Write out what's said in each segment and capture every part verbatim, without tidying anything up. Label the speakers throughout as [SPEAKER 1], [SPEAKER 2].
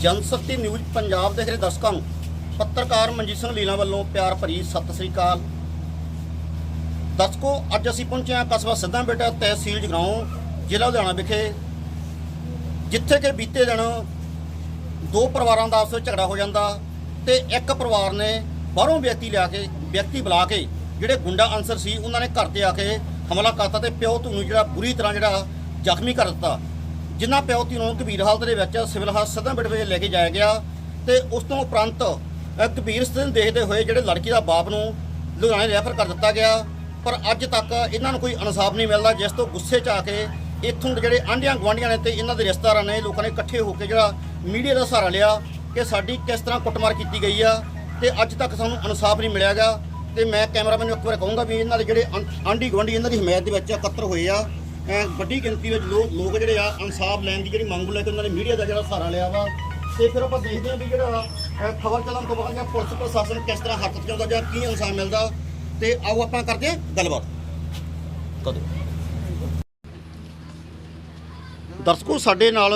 [SPEAKER 1] जनशक्ति news Punjab देख रहे दर्शकों पत्रकार मनजीत सिंह लीला वालों प्यार भरी सत श्री अकाल। दर्शकों अज असीं पहुंचे हैं कस्बा सिद्धा बेटा तहसील जगराओं जिला लुधियाना विखे, जिथे कि बीते दिन दो परिवारों का आपस में झगड़ा हो जाता तो एक परिवार ने बाहरों व्यक्ति लिया के व्यक्ति बुला के जिहड़े गुंडा अंसर सी उन्होंने घर ते आके हमला करता तो प्यो धू नूं जिहड़ा बुरी तरह जिहड़ा जख्मी कर दिता, जिन्हां प्यो धू नूं गंभीर हालत दे विच सिविल हस्पताल सिद्धा बेट विच लैके जाया गया। तो उस तो उपरंत गंभीर स्थिति देखते हुए जिहड़े लड़की का बाप नूं लुधियाणे रैफर कर दिता गया, पर अज तक इन्हां नूं कोई इंसाफ नहीं मिलता, जिस तो गुस्से च आके इत्थों जिहड़े आंढियां गुआंढियां ने ते इन्हां दे रिश्तेदारां ने लोगों ने इकट्ठे होकर जिहड़ा मीडिया का सहारा लिया कि साडी किस तरह कुटमार की गई है तो अज तक सानूं इंसाफ नहीं मिलेगा। तो मैं कैमरामैन नूं एक बार कहूँगा भी इन्हां दे जिहड़े आंढी गुआंढी इन्हां दी हिमायत दे विच इकट्ठर होए आ, वड्डी गिनती में लोग लोग जिहड़े आ इंसाफ लैण दी जिहड़ी मंग लैके उन्होंने मीडिया का जिहड़ा सहारा लिया वा। तो फिर आप देखते हैं भी जिहड़ा खबर चलन तो बाद पुलिस प्रशासन किस तरह हੱਥ ਚਾਉਂਦਾ ਜਾਂ ਕੀ इंसाफ मिलता। तो आओ ਆਪਾਂ करते हैं गलबात। दर्शकों साडे नाल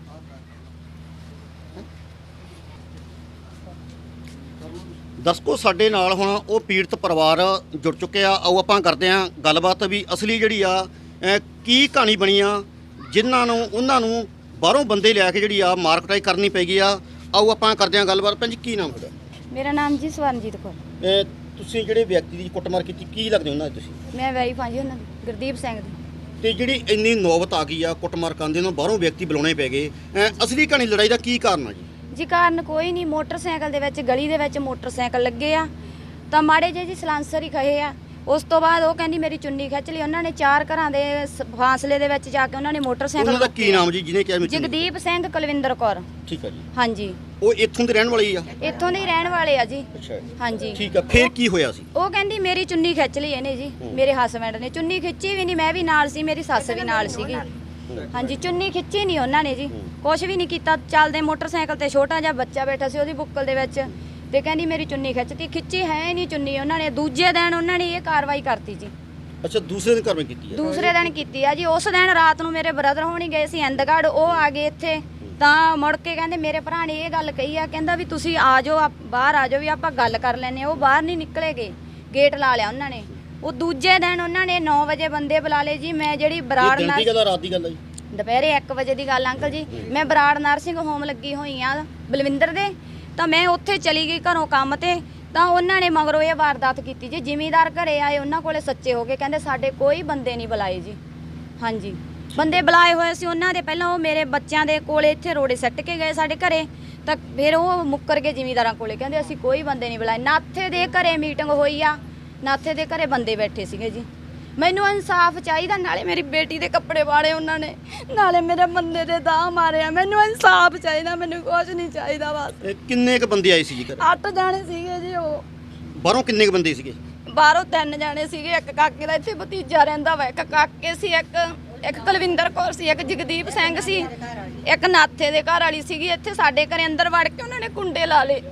[SPEAKER 1] दर्शकों साडे नाल हुण वो पीड़ित परिवार जुड़ चुके आ। आओ आपां करते हैं गलबात भी असली जिहड़ी आ की कहानी बनी आ, जिन्हां नूं उन्हां नूं बाहरों बंदे लिया के जिहड़ी आ मार कुटाई करनी पै गई आ। आओ आपां करते हैं गलबात। भैन जी की नाम तुहाडा?
[SPEAKER 2] मेरा नाम जी स्वरनजीत कौर।
[SPEAKER 1] ਤੁਸੀਂ ਜਿਹੜੇ ਵਿਅਕਤੀ ਦੀ ਕੁੱਟਮਾਰ ਕੀਤੀ ਕੀ ਲੱਗਦੇ ਉਹਨਾਂ ਦੇ ਤੁਸੀਂ?
[SPEAKER 2] ਮੈਂ ਵਾਈਫ ਹਾਂ ਜੀ ਉਹਨਾਂ ਦੀ, ਗੁਰਦੀਪ ਸਿੰਘ ਦੀ।
[SPEAKER 1] ਤੇ ਜਿਹੜੀ ਇੰਨੀ ਨੌਬਤ ਆ ਗਈ ਆ ਕੁੱਟਮਾਰ ਕਰਨ ਦੇ ਨੂੰ ਬਾਹਰੋਂ ਵਿਅਕਤੀ ਬੁਲਾਉਣੇ ਪੈ ਗਏ, ਅਸਲੀ ਕਹਾਣੀ ਲੜਾਈ ਦਾ ਕੀ ਕਾਰਨ ਆ ਜੀ?
[SPEAKER 2] ਜੀ ਕਾਰਨ ਕੋਈ ਨਹੀਂ, ਮੋਟਰਸਾਈਕਲ ਦੇ ਵਿੱਚ ਗਲੀ ਦੇ ਵਿੱਚ ਮੋਟਰਸਾਈਕਲ ਲੱਗੇ ਆ ਤਾਂ ਮਾੜੇ ਜਿਹੇ ਜੀ ਸਲਾਂਸਰ ਹੀ ਖਏ ਆ। ਉਸ ਤੋਂ ਬਾਅਦ ਉਹ ਕਹਿੰਦੀ ਮੇਰੀ ਚੁੰਨੀ ਖਿੱਚ ਲਈ। ਉਹਨਾਂ ਨੇ ਚਾਰ ਘਰਾਂ ਦੇ ਫਾਸਲੇ ਦੇ ਵਿੱਚ ਜਾ ਕੇ ਉਹਨਾਂ ਨੇ ਮੋਟਰਸਾਈਕਲ
[SPEAKER 1] ਉਹਨਾਂ ਦਾ ਕੀ ਨਾਮ ਜੀ ਜਿਹਨੇ ਕਿਹਾ?
[SPEAKER 2] ਜਗਦੀਪ ਸਿੰਘ ਕੁਲਵਿੰਦਰ ਕੌਰ।
[SPEAKER 1] ਠੀਕ ਆ ਜੀ।
[SPEAKER 2] ਹਾਂਜੀ
[SPEAKER 1] ਉਹ ਇੱਥੋਂ ਦੇ ਰਹਿਣ ਵਾਲੇ ਹੀ ਆ?
[SPEAKER 2] ਇੱਥੋਂ ਦੇ ਹੀ ਰਹਿਣ ਵਾਲੇ ਆ ਜੀ।
[SPEAKER 1] ਅੱਛਾ
[SPEAKER 2] ਹਾਂਜੀ
[SPEAKER 1] ਠੀਕ ਆ। ਫਿਰ ਕੀ ਹੋਇਆ ਸੀ?
[SPEAKER 2] ਉਹ ਕਹਿੰਦੀ ਮੇਰੀ ਚੁੰਨੀ ਖਿੱਚ ਲਈ ਇਹਨੇ ਜੀ, ਮੇਰੇ ਹਸਬੈਂਡ ਨੇ। ਚੁੰਨੀ ਖਿੱਚੀ ਵੀ ਨਹੀਂ, ਮੈਂ ਵੀ ਨਾਲ ਸੀ, ਮੇਰੀ ਸੱਸ ਵੀ ਨਾਲ ਸੀਗੀ। ਹਾਂਜੀ ਚੁੰਨੀ ਖਿੱਚੀ ਨਹੀਂ ਉਹਨਾਂ ਨੇ ਜੀ, ਕੁਛ ਵੀ ਨਹੀਂ ਕੀਤਾ। ਚੱਲਦੇ ਮੋਟਰਸਾਈਕਲ ਤੇ ਛੋਟਾ ਜਿਹਾ ਬੱਚਾ ਬੈਠਾ ਸੀ ਉਹਦੀ ਬੁੱਕਲ ਦੇ ਵਿੱਚ, ਤੇ ਕਹਿੰਦੀ ਮੇਰੀ ਚੁੰਨੀ ਖਿੱਚਤੀ। ਖਿੱਚੀ ਹੈ ਨਹੀਂ ਚੁੰਨੀ ਉਹਨਾਂ ਨੇ। ਦੂਜੇ ਦਿਨ ਉਹਨਾਂ ਨੇ ਇਹ ਕਾਰਵਾਈ ਕਰਤੀ ਜੀ।
[SPEAKER 1] ਅੱਛਾ ਦੂਸਰੇ ਦਿਨ ਕਾਰਵਾਈ ਕੀਤੀ ਹੈ? ਦੂਸਰੇ
[SPEAKER 2] ਦਿਨ ਕੀਤੀ ਆ ਜੀ। ਉਸ ਦਿਨ ਰਾਤ ਨੂੰ ਮੇਰੇ ਬ੍ਰਦਰ ਹੋਣੀ ਗਏ ਸੀ ਇੰਦਗੜ੍ਹ, ਉਹ ਆ ਗਏ ਇੱਥੇ ਤਾਂ ਮੁੜ ਕੇ ਕਹਿੰਦੇ ਮੇਰੇ ਭਰਾ ਨੇ ਇਹ ਗੱਲ ਕਹੀ ਆ, ਕਹਿੰਦਾ ਵੀ ਤੁਸੀਂ ਆ ਜਾਓ ਬਾਹਰ ਆ ਜਾਓ ਵੀ ਆਪਾਂ ਗੱਲ ਕਰ ਲੈਂਦੇ। ਉਹ ਬਾਹਰ ਨਹੀਂ ਨਿਕਲੇ ਗਏ, ਗੇਟ ਲਾ ਲਿਆ ਉਹਨਾਂ ਨੇ। ਉਹ ਦੂਜੇ ਦਿਨ ਉਹਨਾਂ ਨੇ ਨੌ ਵਜੇ ਬੰਦੇ ਬੁਲਾ ਲਏ ਜੀ। ਮੈਂ ਜਿਹੜੀ ਬਰਾੜ
[SPEAKER 1] ਦਿਨ ਦੀ ਗੱਲ ਆ ਰਾਤ ਦੀ ਗੱਲ ਆ ਜੀ?
[SPEAKER 2] ਦੁਪਹਿਰੇ ਇੱਕ ਵਜੇ ਦੀ ਗੱਲ ਅੰਕਲ ਜੀ। ਮੈਂ ਬਰਾੜ ਨਰਸਿੰਗ ਹੋਮ ਲੱਗੀ ਹੋਈ ਆ ਬਲਵਿੰਦਰ ਦੇ, ਤਾਂ ਮੈਂ ਉੱਥੇ ਚਲੀ ਗਈ ਘਰੋਂ ਕੰਮ ਤੇ, ਤਾਂ ਉਹਨਾਂ ਨੇ ਮਗਰੋਂ ਇਹ ਵਾਰਦਾਤ ਕੀਤੀ ਜੀ। ਜ਼ਿਮੀਂਦਾਰ ਘਰੇ ਆਏ, ਉਹਨਾਂ ਕੋਲੇ ਸੱਚੇ ਹੋ ਗਏ, ਕਹਿੰਦੇ ਸਾਡੇ ਕੋਈ ਬੰਦੇ ਨਹੀਂ ਬੁਲਾਏ ਜੀ। ਹਾਂਜੀ ਬੰਦੇ ਬੁਲਾਏ ਹੋਏ ਸੀ ਉਹਨਾਂ ਦੇ, ਪਹਿਲਾਂ ਉਹ ਮੇਰੇ ਬੱਚਿਆਂ ਦੇ ਕੋਲੇ ਇੱਥੇ ਰੋੜੇ ਸੱਟ ਕੇ ਗਏ ਸਾਡੇ ਘਰੇ, ਤਾਂ ਫਿਰ ਉਹ ਮੁੱਕਰ ਗਏ ਜ਼ਿਮੀਂਦਾਰਾਂ ਕੋਲੇ, ਕਹਿੰਦੇ ਅਸੀਂ ਕੋਈ ਬੰਦੇ ਨਹੀਂ ਬੁਲਾਏ। ਨਾਥੇ ਦੇ ਘਰੇ ਮੀਟਿੰਗ ਹੋਈ ਆ, ਨਾਥੇ ਦੇ ਘਰੇ ਬੰਦੇ ਬੈਠੇ ਸੀਗੇ ਜੀ। ਮੈਨੂੰ ਇਨਸਾਫ ਚਾਹੀਦਾ, ਨਾਲੇ ਮੇਰੀ ਬੇਟੀ ਦੇ ਕੱਪੜੇ ਵਾੜੇ ਉਹਨਾਂ ਨੇ, ਨਾਲੇ ਮੇਰੇ ਬੰਦੇ ਦੇ ਦਾਅ ਮਾਰਿਆ। ਮੈਨੂੰ ਇਨਸਾਫ ਚਾਹੀਦਾ, ਮੈਨੂੰ ਕੁਝ ਨਹੀਂ ਚਾਹੀਦਾ ਬਸ।
[SPEAKER 1] ਕਿੰਨੇ ਕ ਬੰਦੇ ਆਏ ਸੀ ਜੀ ਘਰੇ?
[SPEAKER 2] ਅੱਠ ਜਾਣੇ ਸੀਗੇ ਜੀ। ਉਹ
[SPEAKER 1] ਬਾਹਰੋਂ ਕਿੰਨੇ ਕ ਬੰਦੇ ਸੀਗੇ?
[SPEAKER 2] ਬਾਹਰੋਂ ਤਿੰਨ ਜਾਣੇ ਸੀਗੇ। ਇੱਕ ਕਾਕੇ ਦਾ ਇੱਥੇ ਭਤੀਜਾ ਰਹਿੰਦਾ ਵਾ, ਇੱਕ ਕਾਕੇ ਸੀ, ਇੱਕ ਇੱਕ ਕੁਲਵਿੰਦਰ ਕੌਰ ਸੀ, ਇੱਕ ਜਗਦੀਪ ਸਿੰਘ ਸੀ, ਇੱਕ ਨਾਥੇ ਦੇ ਘਰ ਵਾਲੀ ਸੀਗੀ। ਇੱਥੇ ਸਾਡੇ ਘਰੇ ਅੰਦਰ ਵੜ ਕੇ ਉਹਨਾਂ ਨੇ ਕੁੰਡੇ ਲਾ ਲਏ।